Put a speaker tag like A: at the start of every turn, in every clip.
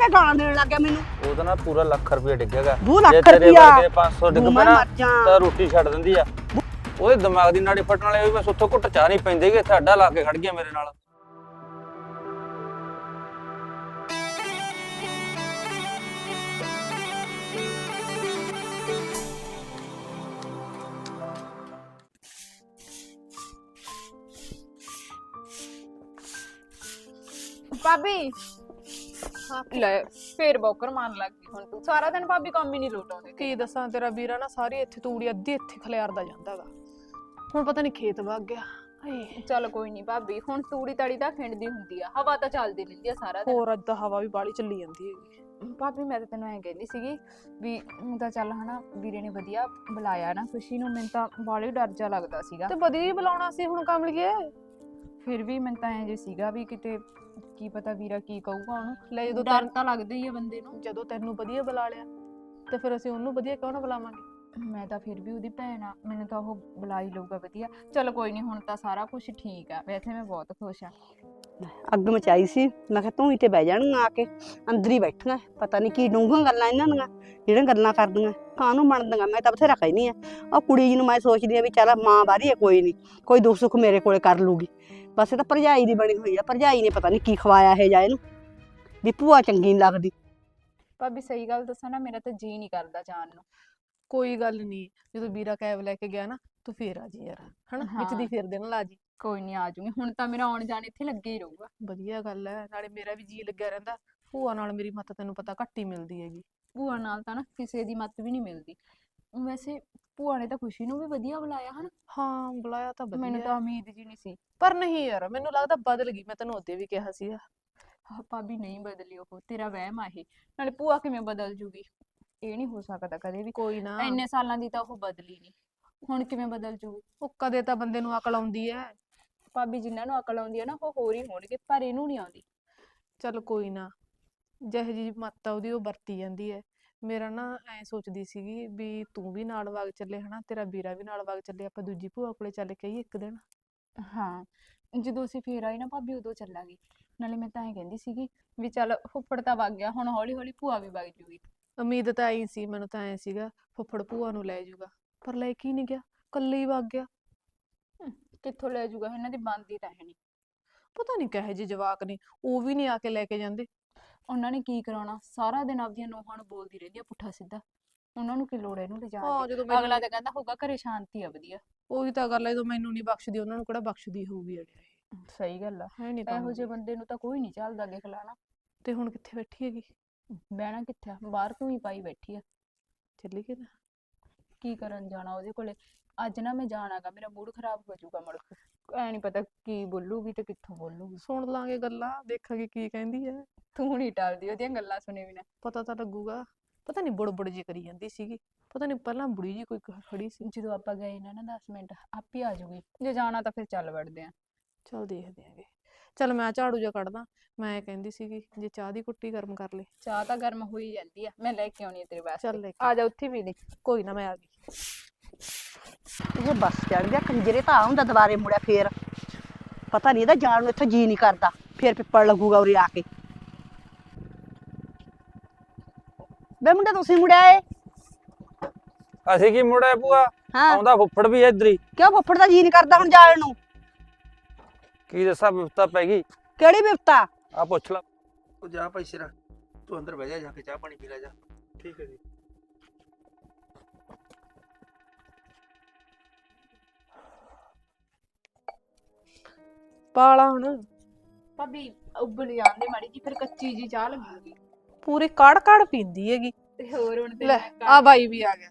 A: ਕੇ ਗਾਲਾਂ ਦੇਣ ਲੱਗ ਗਿਆ ਮੈਨੂੰ।
B: ਉਹਦਾ ਨਾ ਪੂਰਾ ਲੱਖ ਰੁਪਏ ਡਿੱਗੇਗਾ।
A: 2 ਲੱਖ
B: ਜੇ ਤੇਰੇ
A: ਰੁਪਇਆ
B: ਵਰਗੇ 500 ਡਿੱਗ ਪਏ ਨਾ ਤਾਂ ਰੋਟੀ ਛੱਡ ਦਿੰਦੀ ਆ। ਉਹਦੇ ਦਿਮਾਗ ਦੀ ਨਾੜੀ ਫਟਣ ਵਾਲੇ ਬਸ ਉੱਥੋਂ ਘੁੱਟ ਚਾਹ ਨਹੀਂ ਪੈਂਦੇ ਕਿ ਇੱਥੇ ਅੱਡਾ ਲਾ ਕੇ ਖੜ ਗਿਆ ਮੇਰੇ ਨਾਲ।
C: ਭਾਬੀ ਲੈ ਫੇਰ ਬੌਕਰ ਮਾਰਨ ਲੱਗ ਗਈ ਹੁਣ ਤੂੰ। ਸਾਰਾ ਦਿਨ ਭਾਬੀ ਕੰਮ ਹੀ ਨਹੀਂ ਲੋਟਾਉਂਦੇ।
D: ਕੀ ਦੱਸਾਂ ਤੇਰਾ ਵੀਰਾ ਨਾ ਸਾਰੀ ਇੱਥੇ ਤੂੜੀ ਅੱਧੀ ਇੱਥੇ ਖਲਿਆਰਦਾ ਜਾਂਦਾਗਾ। ਹੁਣ ਪਤਾ ਨਹੀਂ ਖੇਤ ਵਗ ਗਿਆ।
C: ਚੱਲ ਕੋਈ ਨਹੀਂ ਭਾਬੀ, ਹੁਣ ਤੂੜੀ ਤਾੜੀ ਤਾਂ ਖਿੰਡਦੀ ਹੁੰਦੀ ਆ, ਹਵਾ ਤਾਂ ਚੱਲਦੀ ਰਹਿੰਦੀ ਆ ਸਾਰਾ ਦਿਨ।
D: ਹੋਰ ਅੱਜ ਤਾਂ ਹਵਾ ਵੀ ਬਾਹਲੀ ਚੱਲੀ ਜਾਂਦੀ ਹੈਗੀ।
C: ਭਾਬੀ ਮੈਂ ਤਾਂ ਤੈਨੂੰ ਐਂ ਕਹਿੰਦੀ ਸੀਗੀ ਵੀ ਹੁਣ ਤਾਂ ਚੱਲ ਹਨਾ ਵੀਰੇ ਨੇ ਵਧੀਆ ਬੁਲਾਇਆ ਨਾ ਖੁਸ਼ੀ ਨੂੰ, ਮੈਨੂੰ ਤਾਂ ਬਾਹਲੀ ਡਰ ਜਾ ਲੱਗਦਾ ਸੀਗਾ।
D: ਤੇ ਵਧੀਆ ਹੀ ਬੁਲਾਉਣਾ ਸੀ ਹੁਣ ਕਮਲੀਏ।
C: ਫਿਰ ਵੀ ਮੈਨੂੰ ਤਾਂ ਐਂ ਜੇ ਸੀਗਾ ਵੀ ਕਿਤੇ ਕੀ ਪਤਾ ਵੀਰਾ ਕੀ ਕਹੂਗਾ ਉਹਨੂੰ।
D: ਲੈ ਜਦੋਂ
C: ਡਰ ਤਾਂ ਲੱਗਦਾ ਹੀ ਆ ਬੰਦੇ ਨੂੰ।
D: ਜਦੋਂ ਤੈਨੂੰ ਵਧੀਆ ਬੁਲਾ ਲਿਆ ਤੇ ਫਿਰ ਅਸੀਂ ਉਹਨੂੰ ਵਧੀਆ ਕਿਉਂ ਨਾ ਬੁਲਾਵਾਂਗੇ।
C: ਮੈਂ ਤਾਂ ਫਿਰ ਵੀ ਉਹਦੀ ਭੈਣ ਆ, ਮੈਨੂੰ ਤਾਂ ਉਹ ਬੁਲਾ ਹੀ ਲਊਗਾ ਵਧੀਆ। ਚਲ ਕੋਈ ਨਹੀਂ, ਹੁਣ ਤਾਂ ਸਾਰਾ ਕੁਝ ਠੀਕ ਆ। ਵੈਸੇ ਮੈਂ ਬਹੁਤ ਖੁਸ਼ ਆ।
A: ਅੱਗ ਮਚਾਈ ਸੀ, ਮੈਂ ਕਿਹਾ ਤੂੰ ਹੀ ਤੇ ਬਹਿ ਜਾਣਗੀਆਂ ਆ ਕੇ, ਅੰਦਰ ਹੀ ਬੈਠੀਆਂ। ਪਤਾ ਨਹੀਂ ਕੀ ਡੂੰਘੀਆਂ ਗੱਲਾਂ ਇਹਨਾਂ ਦੀਆਂ ਜਿਹੜੀਆਂ ਗੱਲਾਂ ਕਰਦੀਆਂ ਕਾਹਨੂੰ ਬਣਦੀਆਂ। ਮੈਂ ਤਾਂ ਬਥੇਰਾ ਕਹਿੰਦੀ ਆ ਉਹ ਕੁੜੀ ਜੀ ਨੂੰ, ਮੈਂ ਸੋਚਦੀ ਆ ਵੀ ਚੱਲ ਮਾਂ ਬਾਰੀ ਆ, ਕੋਈ ਨਹੀਂ, ਕੋਈ ਦੁੱਖ ਸੁੱਖ ਮੇਰੇ ਕੋਲੇ ਕਰ ਲੂਗੀ। ਬਸ ਇਹ ਤਾਂ ਭਰਜਾਈ ਦੀ ਬਣੀ ਹੋਈ ਆ। ਭਰਜਾਈ ਨੇ ਪਤਾ ਨਹੀਂ ਕੀ ਖਵਾਇਆ ਇਹ ਜਾ ਇਹਨੂੰ ਵੀ ਭੂਆ ਚੰਗੀ ਨਹੀਂ ਲੱਗਦੀ।
C: ਭਾਬੀ ਸਹੀ ਗੱਲ ਦੱਸਾਂ ਨਾ, ਮੇਰਾ ਤਾਂ ਜੀ ਨਹੀਂ ਕਰਦਾ ਜਾਣ ਨੂੰ।
D: ਕੋਈ ਗੱਲ ਨਹੀਂ, ਜਦੋਂ ਵੀਰਾ ਕੈਬ ਲੈ ਕੇ ਗਿਆ ਨਾ ਤੂੰ ਫੇਰ ਆ ਜੀ ਯਾਰ, ਹਨਾ ਵਿੱਚ ਦੀ ਫੇਰ ਦੇਣ ਲਾ ਜੀ।
C: ਕੋਈ ਨਹੀਂ ਆ ਜੂਗੀ, ਹੁਣ ਤਾਂ ਮੇਰਾ ਆਉਣ ਜਾਣ ਇੱਥੇ ਲੱਗੇ ਹੀ ਰਹੂਗਾ।
D: ਵਧੀਆ ਗੱਲ ਹੈ, ਨਾਲੇ ਮੇਰਾ ਵੀ ਜੀ ਲੱਗਿਆ ਰਹਿੰਦਾ। ਭੂਆ ਨਾਲ ਮੇਰੀ ਮੱਤ ਤੈਨੂੰ ਪਤਾ ਘੱਟ ਹੀ ਮਿਲਦੀ ਹੈਗੀ।
C: ਭੂਆ ਨਾਲ ਤਾਂ ਨਾ ਕਿਸੇ ਦੀ ਮੱਤ ਵੀ ਨਹੀਂ ਮਿਲਦੀ। ਵੈਸੇ ਭੂਆ ਨੇ ਤਾਂ ਖੁਸ਼ੀ ਨੂੰ ਵੀ ਵਧੀਆ ਬੁਲਾਇਆ ਹਨ।
D: ਹਾਂ ਬੁਲਾਇਆ ਤਾਂ
C: ਮੈਨੂੰ
D: ਵਧੀਆ,
C: ਤਾਂ ਉਮੀਦ ਜੀ ਨਹੀਂ ਸੀ।
D: ਪਰ ਨਹੀਂ ਯਾਰ ਮੈਨੂੰ ਲੱਗਦਾ ਬਦਲ ਗਈ। ਮੈਂ ਤੈਨੂੰ ਉਹਦੇ ਵੀ ਕਿਹਾ ਸੀਗਾ।
C: ਭਾਬੀ ਨਹੀਂ ਬਦਲੀ ਉਹ, ਤੇਰਾ ਵਹਿਮ ਆ ਇਹ। ਨਾਲੇ ਭੂਆ ਕਿਵੇਂ ਬਦਲ ਜੂਗੀ, ਇਹ ਨਹੀਂ ਹੋ ਸਕਦਾ ਕਦੇ ਵੀ।
D: ਕੋਈ ਨਾ,
C: ਇੰਨੇ ਸਾਲਾਂ ਦੀ ਤਾਂ ਉਹ ਬਦਲੀ ਨਹੀਂ, ਹੁਣ ਕਿਵੇਂ ਬਦਲ ਜੂਗੀ।
D: ਉਹ ਕਦੇ ਤਾਂ ਬੰਦੇ ਨੂੰ ਅਕਲ ਆਉਂਦੀ ਹੈ।
C: ਭਾਬੀ ਜਿਨ੍ਹਾਂ ਨੂੰ ਅਕਲ ਆਉਂਦੀ ਹੈ ਨਾ ਉਹ ਹੋਰ ਹੀ ਹੋਣਗੇ, ਪਰ ਇਹਨੂੰ ਨਹੀਂ ਆਉਂਦੀ।
D: ਚੱਲ ਕੋਈ ਨਾ, ਜਿਹੋ ਜਿਹੀ ਮੱਤ ਆ ਉਹਦੀ ਉਹ ਵਰਤੀ ਜਾਂਦੀ ਹੈ। ਮੇਰਾ ਨਾ ਐ ਸੋਚਦੀ ਸੀਗੀ ਵੀ ਤੂੰ ਵੀ ਨਾਲ ਵਗ ਚੱਲੇ, ਹਨਾ ਤੇਰਾ ਵੀਰਾ ਵੀ ਨਾਲ ਵਗ ਚੱਲੇ, ਆਪਾਂ ਦੂਜੀ ਭੂਆ ਕੋਲੇ ਚੱਲ ਕੇ ਆਈਏ ਇੱਕ ਦਿਨ।
C: ਹਾਂ ਜਦੋਂ ਅਸੀਂ ਫੇਰ ਆਏ ਨਾ ਭਾਬੀ ਉਦੋਂ ਚੱਲਾਂਗੇ। ਨਾਲੇ ਮੈਂ ਤਾਂ ਐਂ ਕਹਿੰਦੀ ਸੀਗੀ ਵੀ ਚੱਲ ਫੁੱਫੜ ਤਾਂ ਵਗ ਗਿਆ, ਹੁਣ ਹੌਲੀ ਹੌਲੀ ਭੂਆ ਵੀ ਵਗ ਜੂਗੀ।
D: ਉਮੀਦ ਤਾਂ ਐਂ ਸੀ, ਮੈਨੂੰ ਤਾਂ ਐ ਸੀਗਾ ਫੁੱਫੜ ਭੂਆ ਨੂੰ ਲੈ ਜਾਊਗਾ, ਪਰ ਲੈ ਕੇ ਹੀ ਨਹੀਂ ਗਿਆ, ਕੱਲੇ ਹੀ ਵਗ ਗਿਆ।
C: ਕਿੱਥੋਂ ਲੈ ਜੂਗਾ, ਇਹਨਾਂ ਦੀ ਬਣਦੀ ਤਾਂ ਹੈ ਨਹੀਂ।
D: ਪਤਾ ਨਹੀਂ ਕਹੇ ਜਿਹੇ ਜਵਾਕ ਨੇ, ਉਹ ਵੀ ਨਹੀਂ ਆ ਕੇ ਲੈ ਕੇ ਜਾਂਦੇ।
C: ਉਹਨਾਂ ਨੇ ਕੀ ਕਰਾਉਣਾ, ਸਾਰਾ ਦਿਨ ਆਪਦੀਆਂ ਨੂੰਹਾਂ ਨੂੰ ਬੋਲਦੀ ਰਹਿੰਦੀ ਆ ਪੁੱਠਾ ਸਿੱਧਾ। ਉਹਨਾਂ ਨੂੰ ਕੀ ਲੋੜ ਇਹਨੂੰ ਲਿਜਾਣ
D: ਹਾਂ
C: ਦੀ।
D: ਜਦੋਂ
C: ਅਗਲਾ ਤਾਂ ਕਹਿੰਦਾ ਹੋਊਗਾ ਘਰੇ ਸ਼ਾਂਤੀ ਆ ਵਧੀਆ।
D: ਉਹੀ ਤਾਂ ਗੱਲ ਹੈ, ਜਦੋਂ ਮੈਨੂੰ ਨਹੀਂ ਬਖਸ਼ਦੀ ਉਹਨਾਂ ਨੂੰ ਕਿਹੜਾ ਬਖਸ਼ਦੀ ਹੋਊਗੀ ਅੜਿਆ।
C: ਸਹੀ ਗੱਲ ਆ,
D: ਹੈ ਨਹੀਂ ਤਾਂ
C: ਇਹੋ ਜਿਹੇ ਬੰਦੇ ਨੂੰ ਤਾਂ ਕੋਈ ਨਹੀਂ ਚੱਲਦਾ ਦੇਖ ਲਾ ਨਾ।
D: ਤੇ ਹੁਣ ਕਿੱਥੇ ਬੈਠੀ ਹੈਗੀ?
C: ਬਹਿਣਾ ਕਿੱਥੇ ਆ, ਬਾਹਰ ਤੂੰ ਹੀ ਪਾਈ ਬੈਠੀ ਆ।
D: ਚੱਲੀ ਕਿ ਨਾ?
C: ਕੀ ਕਰਨ ਜਾਣਾ ਉਹਦੇ ਕੋਲੇ। ਅੱਜ ਨਾ ਮੈਂ ਜਾਣਾਗਾ, ਮੇਰਾ ਮੂਡ ਖਰਾਬ ਹੋ ਜਾਊਗਾ ਮੁੜ ਕੇ। ਐ ਨਹੀਂ ਪਤਾ ਕੀ ਬੋਲੂਗੀ ਤੇ ਕਿੱਥੋਂ ਬੋਲੂਗੀ।
D: ਸੁਣ ਲਾਂਗੇ ਗੱਲਾਂ, ਦੇਖਾਂਗੇ ਕੀ ਕਹਿੰਦੀ ਹੈ।
C: ਤੂੰ ਨਹੀਂ ਟਲਦੀ ਉਹਦੀਆਂ ਗੱਲਾਂ ਸੁਣੇ ਬਿਨਾਂ।
D: ਪਤਾ ਤਾਂ ਲੱਗੂਗਾ। ਪਤਾ ਨਹੀਂ ਬੁੜਬੁੜ ਜੀ ਕਰੀ ਜਾਂਦੀ ਸੀਗੀ, ਪਤਾ ਨਹੀਂ ਪਹਿਲਾਂ ਬੁੜੀ ਜੀ ਕੋਈ ਖੜੀ ਸੀ।
C: ਜਦੋਂ ਆਪਾਂ ਗਏ ਨਾ 10 ਮਿੰਟ ਆਪੇ ਆ ਜਾਊਗੀ। ਜੇ ਜਾਣਾ ਤਾਂ ਫਿਰ ਚੱਲ ਵੜਦੇ ਆ।
D: ਚੱਲ ਦੇਖਦੇ ਆਂਗੇ। ਚੱਲ ਮੈਂ ਝਾੜੂ ਜਿਹਾ ਕੱਢਦਾ। ਮੈਂ ਕਹਿੰਦੀ ਸੀਗੀ ਜੇ ਚਾਹ ਦੀ ਕੁੱਟੀ ਗਰਮ ਕਰ ਲੈ।
C: ਚਾਹ ਤਾਂ ਗਰਮ ਹੋਈ ਜਾਂਦੀ ਆ, ਮੈਂ ਲੈ ਕੇ ਆਉਣੀ ਆ ਤੇਰੇ ਵਾਸਤੇ।
D: ਚੱਲ ਲੈ ਕੇ
C: ਆ ਜਾ ਉੱਥੇ ਵੀ ਦੇ।
D: ਕੋਈ ਨਾ ਮੈਂ ਆ ਗਈ।
A: ਇਹ ਬੱਸ ਚੜ ਗਿਆ ਕੰਜਰੇ, ਤਾਂ ਹੁੰਦਾ ਦੁਬਾਰੇ ਮੁੜਿਆ ਫੇਰ। ਪਤਾ ਨਹੀਂ ਇਹਦਾ ਜਾਣ ਨੂੰ ਇੱਥੇ ਜੀ ਨਹੀਂ ਕਰਦਾ, ਫੇਰ ਪਿੱਪਲ ਲੱਗੂਗਾ ਉਰੇ ਆ ਕੇ। ਬੇ ਮੁੰਡਾ ਤੁਸੀਂ ਮੁੜਿਆ ਏ?
B: ਅਸੀਂ ਕੀ ਮੁੜਿਆ ਭੂਆ,
A: ਹਾਂ
B: ਆਉਂਦਾ ਫੁੱਫੜ ਵੀ ਇੱਧਰ ਹੀ।
A: ਕਿਉਂ ਫੁੱਫੜ ਦਾ ਜੀ ਨਹੀਂ ਕਰਦਾ ਹੁਣ ਜਾਣ ਨੂੰ?
B: ਕੀ ਦੱਸਾਂ ਵਿਪਤਾ ਪੈ ਗਈ।
A: ਕਿਹੜੀ ਬਿਪਤਾ?
B: ਆ ਪੁੱਛ ਲਾ।
E: ਉਹ ਜਾ ਭਾਈ ਸਿਰਾ, ਤੂੰ ਅੰਦਰ ਬਹਿ ਜਾ ਕੇ ਚਾਹ ਪਾਣੀ ਪੀ ਲੈ ਜਾ। ਠੀਕ ਹੈ ਜੀ।
D: ਪਾਲਾ ਹੁਣ
C: ਭਾਬੀ ਉੱਬਲ ਜਾਂਦੇ ਮਾੜੀ ਜੀ, ਫਿਰ ਕੱਚੀ ਜੀ ਚਾਹ ਲੱਗੂਗੀ।
D: ਪੂਰੀ ਕੜ ਕੜ ਪੀਂਦੀ ਹੈਗੀ।
C: ਤੇ ਹੋਰ ਹੁਣ ਤੇ
D: ਲੈ ਆ ਬਾਈ ਵੀ ਆ ਗਿਆ।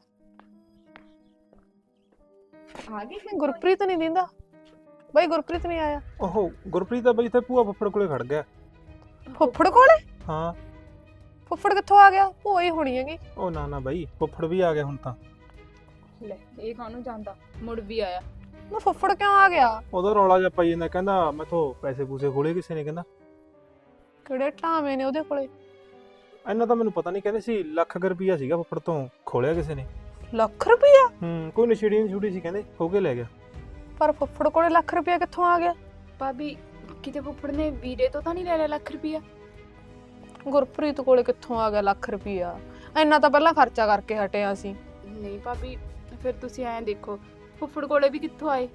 C: ਆ ਗਈ
D: ਗੁਰਪ੍ਰੀਤ ਨਹੀਂ ਦਿੰਦਾ ਬਾਈ, ਗੁਰਪ੍ਰੀਤ ਨਹੀਂ ਆਇਆ।
E: ਓਹੋ ਗੁਰਪ੍ਰੀਤ ਦਾ ਬਈ ਇੱਥੇ ਭੂਆ ਫੁੱਫੜ ਕੋਲੇ ਖੜ ਗਿਆ।
D: ਫੁੱਫੜ ਕੋਲੇ?
E: ਹਾਂ।
D: ਫੁੱਫੜ ਕਿੱਥੋਂ ਆ ਗਿਆ? ਭੂਆ ਹੀ ਹੋਣੀ ਹੈਗੀ।
E: ਉਹ ਨਾ ਨਾ ਬਈ, ਫੁੱਫੜ ਵੀ ਆ ਗਿਆ ਹੁਣ ਤਾਂ।
C: ਲੈ ਇਹ ਕਾਹਨੂੰ ਜਾਂਦਾ, ਮੁੜ ਵੀ ਆਇਆ।
D: ਨਾ ਫੁੱਫੜ ਕਿਉਂ ਆ ਗਿਆ?
E: ਉਹਦਾ ਰੌਲਾ ਜਿਹਾ ਪਾਈ ਜਾਂਦਾ, ਕਹਿੰਦਾ ਮੈਥੋਂ ਪੈਸੇ ਪੂਸੇ ਖੋਲੇ ਕਿਸੇ ਨੇ। ਕਹਿੰਦਾ
D: ਕਿਹੜੇ ਢਾਵੇਂ ਨੇ ਉਹਦੇ ਕੋਲੇ?
E: ਇੰਨਾ ਤਾਂ ਮੈਨੂੰ ਪਤਾ ਨਹੀਂ, ਕਹਿੰਦੇ ਸੀ ਲੱਖ ਰੁਪਈਆ ਸੀਗਾ ਫੁੱਫੜ ਤੋਂ ਖੋਲਿਆ ਕਿਸੇ ਨੇ।
D: ਲੱਖ ਰੁਪਇਆ?
E: ਕੋਈ ਨਸ਼ੇੜੀ ਨਸ਼ੂੜੀ ਸੀ ਕਹਿੰਦੇ, ਹੋ ਕੇ ਲੈ ਗਿਆ।
D: ਪਰ ਫੁੱਫੜ ਕੋਲੇ ਲੱਖ ਰੁਪਇਆ ਕਿੱਥੋਂ ਆ ਗਿਆ?
C: ਭਾਬੀ ਕਿਤੇ ਫੁੱਫੜ ਨੇ ਵੀਰੇ ਤੋਂ ਤਾਂ ਨਹੀਂ ਲੈ ਲਿਆ ਲੱਖ ਰੁਪਇਆ?
D: ਗੁਰਪ੍ਰੀਤ ਕੋਲੇ ਕਿੱਥੋਂ ਆ ਗਿਆ ਲੱਖ ਰੁਪਈਆ? ਇੰਨਾ ਤਾਂ ਪਹਿਲਾਂ ਖਰਚਾ ਕਰਕੇ ਹਟਿਆ ਸੀ।
C: ਨਹੀਂ ਭਾਬੀ, ਫਿਰ ਤੁਸੀਂ ਐਂ ਦੇਖੋ, ਫੁੱਫੜ ਕੋਲੇ ਵੀ ਕਿੱਥੋਂ ਆਏ?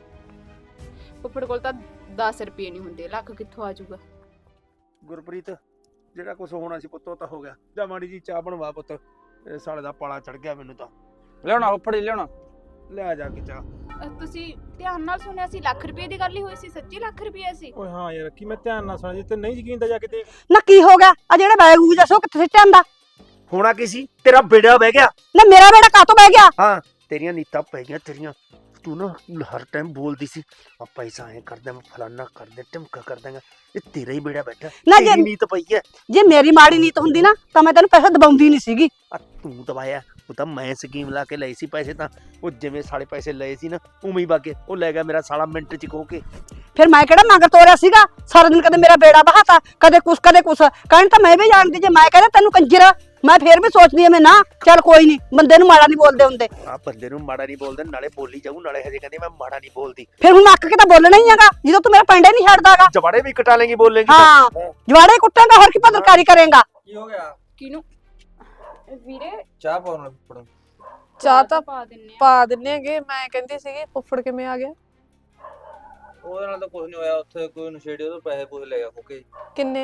C: ਫੁੱਫੜ ਕੋਲ ਤਾਂ 10 ਰੁਪਏ ਨਹੀਂ ਹੁੰਦੇ, ਲੱਖ ਕਿੱਥੋਂ ਆ ਜਾਊਗਾ?
F: ਗੁਰਪ੍ਰੀਤ, ਜਿਹੜਾ ਕੁਝ ਹੋਣਾ ਸੀ ਪੁੱਤ ਉਹ ਤਾਂ ਹੋ ਗਿਆ। ਜਾ ਮਾੜੀ ਜੀ ਚਾਹ ਬਣਵਾ ਪੁੱਤ, ਇਹ ਸਾਲੇ ਦਾ ਪਾਲਾ ਚੜ ਗਿਆ ਮੈਨੂੰ ਤਾਂ।
B: ਲਿਆਉਣਾ ਫੁੱਫੜ ਜੀ ਲਿਆਉਣਾ।
F: ਲੈ ਜਾ ਕੇ ਚਾਹ।
C: ਤੁਸੀਂ ਧਿਆਨ ਨਾਲ ਸੁਣਿਆ ਸੀ, ਲੱਖ ਰੁਪਏ ਦੀ ਗੱਲ ਹੀ ਹੋਈ ਸੀ? ਸੱਚੀ ਲੱਖ ਰੁਪਏ ਸੀ?
E: ਓਏ ਹਾਂ ਯਾਰ, ਕੀ ਮੈਂ ਧਿਆਨ ਨਾਲ ਸੁਣਿਆ, ਜੇ ਤੇ ਨਹੀਂ ਯਕੀਨ ਤਾਂ ਜਾ ਕੇ ਦੇਖ।
A: ਨਾ ਕੀ ਹੋ ਗਿਆ? ਆ ਜਿਹੜਾ ਬੈਗ ਉਹ ਦੱਸੋ ਕਿੱਥੇ ਸਿੱਟਿਆ ਹੁੰਦਾ?
F: ਹੋਣਾ ਕੀ ਸੀ, ਤੇਰਾ ਬੇੜਾ ਬਹਿ ਗਿਆ।
A: ਨਾ ਮੇਰਾ ਬੇੜਾ ਕਾਹਤੋਂ ਬਹਿ ਗਿਆ?
F: ਹਾਂ, ਤੇਰੀਆਂ ਨੀਤਾਂ ਪੈ ਗਈਆਂ ਤੇਰੀਆਂ। ਤੂੰ ਨਾ ਹਰ ਟਾਈਮ ਬੋਲਦੀ ਸੀ ਆ ਪੈਸਾ ਐ ਕਰਦਾ, ਮੈਂ ਫਲਾਨਾ ਕਰਦੇ ਢਿਮਕਾ ਕਰ ਦਾਂਗਾ। ਇਹ ਤੇਰਾ ਹੀ ਬੇੜਾ ਬੈਠਾ,
A: ਨਾ ਜੇ
F: ਤੇਰੀ ਨੀਤ ਪਈ ਐ।
A: ਜੇ ਮੇਰੀ ਮਾੜੀ ਨੀਤ ਹੁੰਦੀ ਨਾ ਤਾਂ ਮੈਂ ਤੈਨੂੰ ਪੈਸਾ ਦਬਾਉਂਦੀ ਨਹੀਂ ਸੀਗੀ।
F: ਆ ਤੂੰ ਦਵਾਇਆ, ਉਹ ਤਾਂ ਮੈਂ ਸਕੀਮ ਲਾ ਕੇ ਲਏ ਸੀ ਪੈਸੇ। ਤਾਂ ਉਹ ਜਿਵੇਂ ਸਾਲੇ ਪੈਸੇ ਲਏ ਸੀ ਨਾ ਉਵੇਂ ਹੀ ਬਾਗੇ ਉਹ ਲੈ ਗਿਆ ਮੇਰਾ ਸਾਲਾ ਮਿੰਟ ਚ ਖੋ ਕੇ।
A: ਫਿਰ ਮੈਂ ਕਿਹੜਾ ਮਗਰ ਤੋਰਿਆ ਸੀਗਾ? ਸਾਰਾ ਦਿਨ ਕਦੇ ਮੇਰਾ ਬੇੜਾ ਬਹਾਤਾ, ਕਦੇ ਕੁਛ ਕਦੇ ਕੁਛ ਕਹਿਣ ਤਾਂ ਮੈਂ ਵੀ ਜਾਣਦੀ। ਜੇ ਮੈਂ ਕਹਿੰਦਾ ਤੈਨੂੰ ਕੰਜਰ, ਮੈਂ ਫੇਰ ਵੀ ਸੋਚਦੀ ਐ ਮੈਂ ਨਾ ਚੱਲ ਕੋਈ ਨਹੀਂ, ਬੰਦੇ ਨੂੰ ਮਾੜਾ ਨਹੀਂ ਬੋਲਦੇ ਹੁੰਦੇ।
F: ਆ ਬੰਦੇ ਨੂੰ ਮਾੜਾ ਨਹੀਂ ਬੋਲਦੇ, ਨਾਲੇ ਬੋਲੀ ਜਾਊ, ਨਾਲੇ ਹਜੇ ਕਹਿੰਦੇ ਮੈਂ ਮਾੜਾ ਨਹੀਂ ਬੋਲਦੀ।
A: ਫਿਰ ਹੁਣ ਅੱਕ ਕੇ ਤਾਂ ਬੋਲਣਾ ਹੀ ਹੈਗਾ ਜਦੋਂ ਤੂੰ ਮੇਰਾ ਪੈਂਡਾ ਨਹੀਂ ਛੱਡਦਾਗਾ।
F: ਜਵਾੜੇ ਵੀ ਕਟਾ ਲੇਂਗੀ ਬੋਲੇਂਗੀ।
A: ਹਾਂ, ਜਵਾੜੇ ਕੁੱਟਾਂਗਾ, ਹੋਰ ਕੀ ਪੱਤਰਕਾਰੀ ਕਰੇਗਾ?
B: ਕੀ ਹੋ ਗਿਆ?
C: ਕਿਹਨੂੰ? ਵੀਰੇ
B: ਚਾਹ ਪਾਉਣ ਨਾਲ ਫੁੱਫੜ ਨੂੰ।
D: ਚਾਹ ਤਾਂ
C: ਪਾ ਦਿੰਨੇ ਆ।
D: ਪਾ ਦਿੰਨੇ ਹੈਗੇ। ਮੈਂ ਕਹਿੰਦੀ ਸੀਗੀ ਫੁੱਫੜ ਕਿਵੇਂ ਆ ਗਿਆ?
B: ਉਹਦੇ ਨਾਲ ਤਾਂ ਕੁਝ ਨਹੀਂ ਹੋਇਆ, ਉੱਥੇ ਕੋਈ ਨਸ਼ੇੜੀ ਉਹਦੇ ਪੈਸੇ ਪੂਸੇ ਲੈ ਗਿਆ ਫੁੱਕੇ।
D: ਕਿੰਨੇ?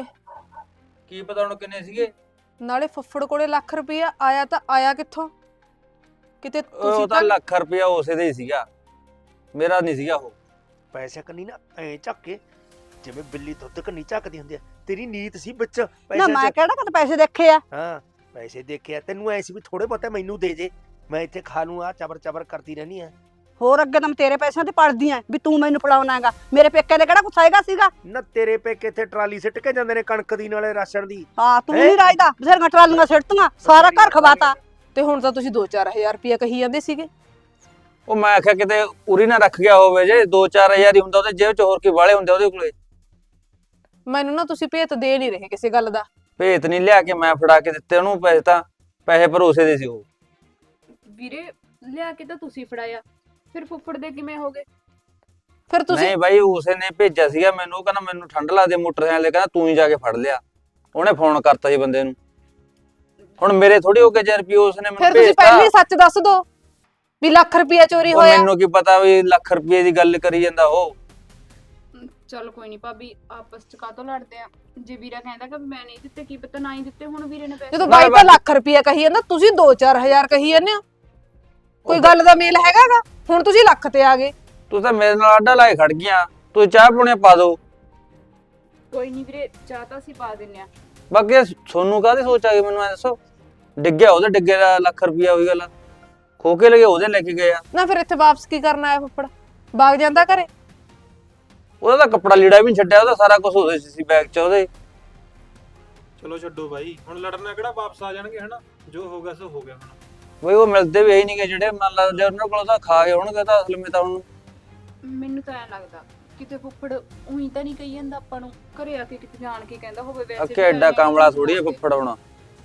B: ਕੀ ਪਤਾ ਹੁਣ ਕਿੰਨੇ ਸੀਗੇ।
D: ਨਾਲੇ ਫੁੱਫੜ ਕੋਲੇ ਲੱਖ ਰੁਪਈਆ ਆਇਆ ਤਾਂ ਆਇਆ ਕਿੱਥੋਂ? ਕਿਤੇ
B: ਉਹ
D: ਤੁਸੀਂ
B: ਤਾਂ ਲੱਖ ਰੁਪਇਆ ਉਸੇ ਦੇ ਹੀ ਸੀਗਾ, ਮੇਰਾ ਨਹੀਂ ਸੀਗਾ ਉਹ।
F: ਪੈਸੇ ਕੰਨੀ ਨਾ ਐ ਝੱਕ ਕੇ ਜਿਵੇਂ ਬਿੱਲੀ ਦੁੱਧ ਕੰਨੀ ਝੱਕਦੀ ਹੁੰਦੀ ਆ। ਤੇਰੀ ਨੀਤ ਸੀ ਵਿੱਚ
A: ਨਾ
F: ਪੈਸੇ
A: ਮੈਂ
F: ਚ।
A: ਕਿਹੜਾ ਕਦੇ ਪੈਸੇ ਦੇਖੇ ਆ?
F: ਹਾਂ, ਪੈਸੇ ਦੇਖਿਆ ਤੈਨੂੰ ਐ ਸੀ ਵੀ ਥੋੜੇ ਬਹੁਤੇ ਮੈਨੂੰ ਦੇ ਜੇ, ਮੈਂ ਇੱਥੇ ਖਾ ਲੂੰ। ਆ ਚਬਰ ਚਬਰ ਕਰਦੀ ਰਹਿਣੀ ਆ।
A: ਹੋਰ ਅੱਗੇ ਤਾਂ ਮੈਂ ਤੇਰੇ ਪੈਸਿਆਂ ਤੇ ਪੜਦੀ ਆ ਵੀ ਤੂੰ ਮੈਨੂੰ ਫੜਾਉਣਾ ਹੈਗਾ। ਮੇਰੇ ਪੇਕੇ ਦੇ ਕਿਹੜਾ ਕੁਛ ਹੈਗਾ ਸੀਗਾ?
F: ਨਾ ਤੇਰੇ ਪੇਕੇ ਇੱਥੇ ਟਰਾਲੀ ਸਿੱਟ ਕੇ ਜਾਂਦੇ ਨੇ ਕਣਕ ਦੀ ਨਾਲੇ ਰਾਸ਼ਨ ਦੀ।
A: ਹਾਂ, ਤੂੰ ਨਹੀਂ ਰਾਜਦਾ, ਬਥੇਰੀਆਂ ਟਰਾਲੀਆਂ ਸਿੱਟਤੀਆਂ, ਸਾਰਾ ਘਰ ਖਵਾਤਾ।
D: ਤੇ ਹੁਣ ਤਾਂ ਤੁਸੀਂ 2-4 ਹਜ਼ਾਰ ਰੁਪਈਆ ਕਹੀ ਜਾਂਦੇ ਸੀਗੇ।
B: ਉਹ ਮੈਂ ਆਖਿਆ ਕਿਤੇ ਉਰੀ ਨਾ ਰੱਖ ਗਿਆ ਹੋਵੇ, ਜੇ 2-4 ਹਜ਼ਾਰ ਹੀ ਹੁੰਦਾ ਉਹਦੇ ਜੇਬ ਚ, ਹੋਰ ਕੀ ਵਾਲੇ ਹੁੰਦੇ ਉਹਦੇ ਕੋਲੇ।
D: ਮੈਨੂੰ ਨਾ ਤੁਸੀਂ ਭੇਤ ਦੇ ਨਹੀਂ ਰਹੇ ਕਿਸੇ ਗੱਲ ਦਾ।
B: ਭੇਤ ਨਹੀਂ ਲਿਆ ਕੇ ਮੈਂ ਫੜਾ ਕੇ ਦਿੱਤੇ ਉਹਨੂੰ ਪੈਸੇ, ਤਾਂ ਪੈਸੇ ਭਰੋਸੇ ਦੇ ਸੀ ਉਹ।
C: ਵੀਰੇ ਲਿਆ ਕੇ ਤਾਂ ਤੁਸੀਂ ਫੜਾਇਆ, ਫਿਰ ਫੁੱਫੜ ਦੇ ਕਿਵੇਂ ਹੋ ਗਏ?
D: ਫਿਰ ਤੁਸੀਂ
B: ਨਹੀਂ ਬਾਈ, ਉਸੇ ਨੇ ਭੇਜਿਆ ਸੀਗਾ ਮੈਨੂੰ, ਉਹ ਕਹਿੰਦਾ ਮੈਨੂੰ ਠੰਡ ਲੱਗਦੀ ਮੋਟਰਸਾਈਕਲ ਤੇ, ਕਹਿੰਦਾ ਤੂੰ ਹੀ ਜਾ ਕੇ ਫੜ ਲਿਆ। ਉਹਨੇ ਫੋਨ ਕਰਤਾ ਸੀ ਬੰਦੇ ਨੂੰ। ਹੁਣ ਮੇਰੇ ਥੋੜੀ ਹੋ ਗਏ 1000 ਰੁਪਏ ਉਸਨੇ
D: ਫਿਰ
B: ਮੈਨੂੰ
D: ਤੁਸੀਂ
B: ਭੇਜਤਾ।
D: ਪਹਿਲਾਂ ਹੀ ਸੱਚ ਦੱਸ ਦੋ ਵੀ ਲੱਖ ਰੁਪਈਆ ਚੋਰੀ
B: ਉਹ
D: ਹੋਇਆ।
B: ਮੈਨੂੰ ਕੀ ਪਤਾ ਵੀ ਲੱਖ ਰੁਪਏ ਦੀ ਗੱਲ ਕਰੀ ਜਾਂਦਾ ਉਹ।
C: ਚਲ ਕੋਈ ਨਹੀਂ ਭਾਬੀ, ਆਪਸ ਚ ਕਾਹਤੋਂ ਲੜਦੇ ਆ? ਜੇ ਵੀਰਾ ਕਹਿੰਦਾ ਕਿ ਮੈਂ ਨਹੀਂ ਦਿੱਤੇ, ਕੀ ਪਤਾ ਨਾ ਹੀ ਦਿੱਤੇ ਹੁਣ ਵੀਰੇ ਨੇ ਪੈਸੇ।
D: ਜਦੋਂ ਬਾਈ ਤਾਂ ਲੱਖ ਰੁਪਈਆ ਕਹੀ ਜਾਂਦਾ, ਤੁਸੀਂ 2-4 ਹਜ਼ਾਰ ਕਹੀ ਜਾਂਦੇ ਹੋ। ਕੋਈ ਗੱਲ ਦਾ ਮੇਲ ਹੈਗਾਗਾ? ਹੁਣ ਤੁਸੀਂ ਲੱਖ ਤੇ ਆ ਗਏ।
B: ਤੂੰ ਤਾਂ ਮੇਰੇ ਨਾਲ ਆਡਾ ਲਾਏ ਖੜ ਗਈਆਂ। ਤੂੰ ਚਾਹ ਪੁਣੇ ਪਾ ਦੋ।
C: ਕੋਈ ਨਹੀਂ ਵੀਰੇ, ਚਾਹ ਤਾਂ ਅਸੀਂ ਪਾ ਦਿੰਨੇ ਆ।
B: ਬਾਕੀ ਸੋਨੂੰ ਕਾਹਦੀ ਸੋਚ ਆ ਗਈ ਮੈਨੂੰ ਐ ਦੱਸੋ? ਡਿੱਗਿਆ ਉਹਦੇ ਡਿੱਗੇ ਦਾ ਲੱਖ ਰੁਪਇਆ ਹੋਈ ਗੱਲ, ਖੋ ਕੇ ਲਗੇ ਉਹਦੇ ਲੈ ਕੇ ਗਏ ਆ।
D: ਨਾ ਫਿਰ ਇੱਥੇ ਵਾਪਸ ਕੀ ਕਰਨ ਆਇਆ ਫੁੱਫੜ? ਬਾਗ ਜਾਂਦਾ ਘਰੇ?
B: ਉਹਦਾ ਤਾਂ ਕੱਪੜਾ ਲੀੜਾ ਵੀ ਨਹੀਂ ਛੱਡਿਆ, ਉਹਦਾ ਸਾਰਾ ਕੁਝ ਉਹਦੇ ਸੀ ਬੈਗ 'ਚ ਉਹਦੇ।
E: ਚਲੋ ਛੱਡੋ ਬਾਈ, ਹੁਣ ਲੜਨਾ ਕਿਹੜਾ ਵਾਪਸ ਆ ਜਾਣਗੇ ਹਨਾ। ਜੋ ਹੋ ਗਿਆ ਸੋ ਹੋ ਗਿਆ ਹੁਣ।
B: ਬਈ ਉਹ ਮਿਲਦੇ ਵੀ ਨਹੀਂ ਜਿਹੜੇ ਮੰਨ ਲਾ ਜੇ ਉਹਨਾਂ ਕੋਲ ਤਾਂ ਖਾ ਗਏ ਹੋਣਗੇ ਤਾਂ ਅਸਲ ਵਿੱਚ ਤਾਂ ਉਹਨੂੰ।
C: ਮੈਨੂੰ ਤਾਂ ਐ ਲੱਗਦਾ ਕਿਤੇ ਫੁੱਫੜ ਉਹੀ ਤਾਂ ਨਹੀਂ ਕਹੀ ਜਾਂਦਾ ਆਪਾਂ ਨੂੰ, ਘਰੇ ਆ ਕੇ ਕਿਤੇ ਜਾਣ ਕੇ ਕਹਿੰਦਾ ਹੋਵੇ। ਵੈਸੇ
B: ਅੱਕੇ ਐਡਾ ਕਾਮਲਾ ਥੋੜੀ ਆ ਫੁੱਫੜ ਹੋਣਾ।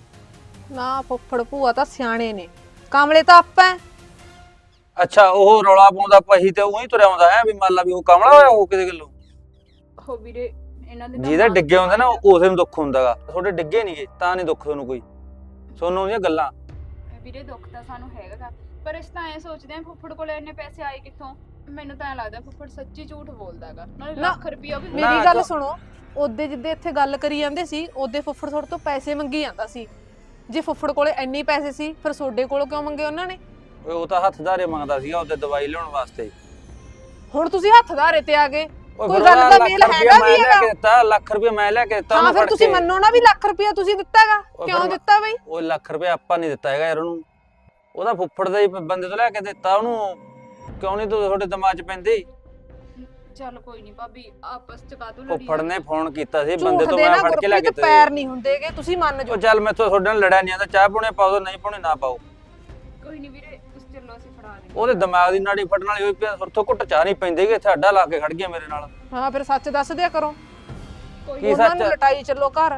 D: ਨਾ ਫੁੱਫੜ ਭੂਆ ਤਾਂ ਸਿਆਣੇ ਨੇ, ਕਾਮਲੇ ਤਾਂ ਆਪਾਂ।
B: ਅੱਛਾ, ਉਹ ਰੌਲਾ ਪਾਉਂਦਾ ਪਹੀ ਤੇ ਉਹੀ ਤੁਰਿਆ ਆਉਂਦਾ ਹੈ ਵੀ ਮੰਨ ਲਾ ਵੀ ਉਹ ਕਾਮਲਾ ਹੋਇਆ ਉਹ ਕਿਸੇ ਗੱਲੋਂ।
C: ਹੋ ਵੀਰੇ, ਇਹਨਾਂ ਦੇ
B: ਜਿਹਦੇ ਡਿੱਗੇ ਹੁੰਦੇ ਨਾ ਉਸੇ ਨੂੰ ਦੁੱਖ ਹੁੰਦਾਗਾ। ਤੁਹਾਡੇ ਡਿੱਗੇ ਨਹੀਂਗੇ ਤਾਂ ਨਹੀਂ ਦੁੱਖ ਤੁਹਾਨੂੰ ਕੋਈ। ਸੋਨੂੰ ਦੀਆਂ ਗੱਲਾਂ।
C: ਵੀਰੇ ਦੁੱਖ ਤਾਂ ਸਾਨੂੰ ਹੈਗਾ, ਪਰ ਇਸ ਤਾਂ ਐ ਸੋਚਦੇ ਆ ਫੁੱਫੜ ਕੋਲ ਇੰਨੇ ਪੈਸੇ ਆਏ ਕਿੱਥੋਂ? ਮੈਨੂੰ ਤਾਂ ਐ ਲੱਗਦਾ ਫੁੱਫੜ ਸੱਚੀ ਝੂਠ ਬੋਲਦਾਗਾ, ਨਾਲੇ
D: ਨਾ,
C: ਲੱਖ ਰੁਪਇਆ ਵੀ।
D: ਮੇਰੀ ਗੱਲ ਸੁਣੋ, ਉਹਦੇ ਜਿੱਦੇ ਇੱਥੇ ਗੱਲ ਕਰੀ ਜਾਂਦੇ ਸੀ ਉਹਦੇ ਫੁੱਫੜ ਤੁਹਾਡੇ ਤੋਂ ਪੈਸੇ ਮੰਗੀ ਜਾਂਦਾ ਸੀ। ਜੇ ਫੁੱਫੜ ਕੋਲੇ ਇੰਨੇ ਪੈਸੇ ਸੀ ਫਿਰ ਤੁਹਾਡੇ ਕੋਲੋਂ ਕਿਉਂ ਮੰਗੇ ਉਹਨਾਂ ਨੇ?
B: ਉਹ ਤਾਂ ਹੱਥ ਧਾਰੇ ਮੰਗਦਾ ਸੀਗਾ ਉਹਦੇ ਦਵਾਈ ਲਿਆਉਣ ਵਾਸਤੇ।
D: ਹੁਣ ਤੁਸੀਂ ਹੱਥ ਧਾਰੇ ਤੇ ਆ ਗਏ।
B: ਉਹ
D: ਕੋਈ
B: ਫਿਰ
D: ਗੱਲ ਦਾ
B: ਲੱਖ
D: ਮੇਲ
B: ਰੁਪਇਆ
D: ਹੈਗਾ
B: ਮੈਂ
D: ਵੀ
B: ਲੈ
D: ਹੈਗਾ।
B: ਕੇ ਦਿੱਤਾ, ਲੱਖ ਰੁਪਇਆ ਮੈਂ ਲੈ ਕੇ ਦਿੱਤਾ
D: ਹਾਂ,
B: ਉਹਨੂੰ
D: ਫਿਰ
B: ਫੜ
D: ਤੁਸੀਂ
B: ਕੇ।
D: ਮੰਨੋ ਨਾ ਵੀ ਲੱਖ ਰੁਪਇਆ ਤੁਸੀਂ ਦਿੱਤਾਗਾ।
B: ਉਹ
D: ਕਿਉਂ
B: ਫਿਰ
D: ਦਿੱਤਾ ਬਈ?
B: ਉਹ ਲੱਖ ਰੁਪਇਆ ਆਪਾਂ ਨਹੀਂ ਦਿੱਤਾ ਹੈਗਾ ਯਾਰ ਉਹਨੂੰ, ਉਹਦਾ ਫੁੱਫੜ ਦਾ ਹੀ ਬੰਦੇ ਤੋਂ ਲੈ ਕੇ ਦਿੱਤਾ ਉਹਨੂੰ। ਕਿਉਂ ਨਹੀਂ ਤੂੰ ਤੁਹਾਡੇ ਦਿਮਾਗ 'ਚ ਪੈਂਦੀ?
C: ਚੱਲ ਕੋਈ ਨਹੀਂ ਭਾਬੀ, ਆਪਸ ਚ ਕਾਹਤੋਂ ਲੜੀ
B: ਫੁੱਫੜ ਨੇ ਫੋਨ ਕੀਤਾ ਸੀ
D: ਝੂਠ
B: ਬੰਦੇ ਤੋਂ,
D: ਦੇ
B: ਮੈਂ
D: ਨਾ
B: ਫੜ ਕੇ ਲੈ ਕੇ
D: ਗੁਰਪ੍ਰੀਤ, ਪੈਰ ਨਹੀਂ ਹੁੰਦੇਗੇ, ਤੁਸੀਂ ਮੰਨ
B: ਉਹ
D: ਜਾਓ।
B: ਚੱਲ ਮੈਥੋਂ ਤੁਹਾਡੇ ਨਾਲ ਲੜਿਆ ਨਹੀਂ ਆਂਦਾ। ਚਾਹ ਪੁਣੇ ਪਾਓ, ਨਹੀਂ ਪੁਣੇ ਨਾ ਪਾਓ।
C: ਕੋਈ ਨਹੀਂ ਵੀਰੇ, ਤੁਸੀਂ ਚੱਲੋ ਅਸੀਂ ਫੜਾ ਦੇਂਗੇ।
B: ਉਹਦੇ ਦਿਮਾਗ ਦੀ ਨਾੜੀ ਫੜਨ ਵਾਲੀ ਹੋਈ ਪਿਆ, ਸੁਰਥੋਂ ਘੁੱਟ ਚਾਹ ਨਹੀਂ ਪੈਂਦੀ ਕਿ ਇੱਥੇ ਅੱਡਾ ਲਾ ਕੇ ਖੜ ਗਿਆ ਮੇਰੇ ਨਾਲ।
D: ਹਾਂ, ਫਿਰ ਸੱਚ ਦੱਸ ਦਿਆ ਕਰੋ।
C: ਕੋਈ
B: ਕੀ
D: ਉਹਨਾਂ
B: ਸੱਚ?
D: ਨੂੰ ਲਟਾਈ ਚੱਲੋ ਘਰ।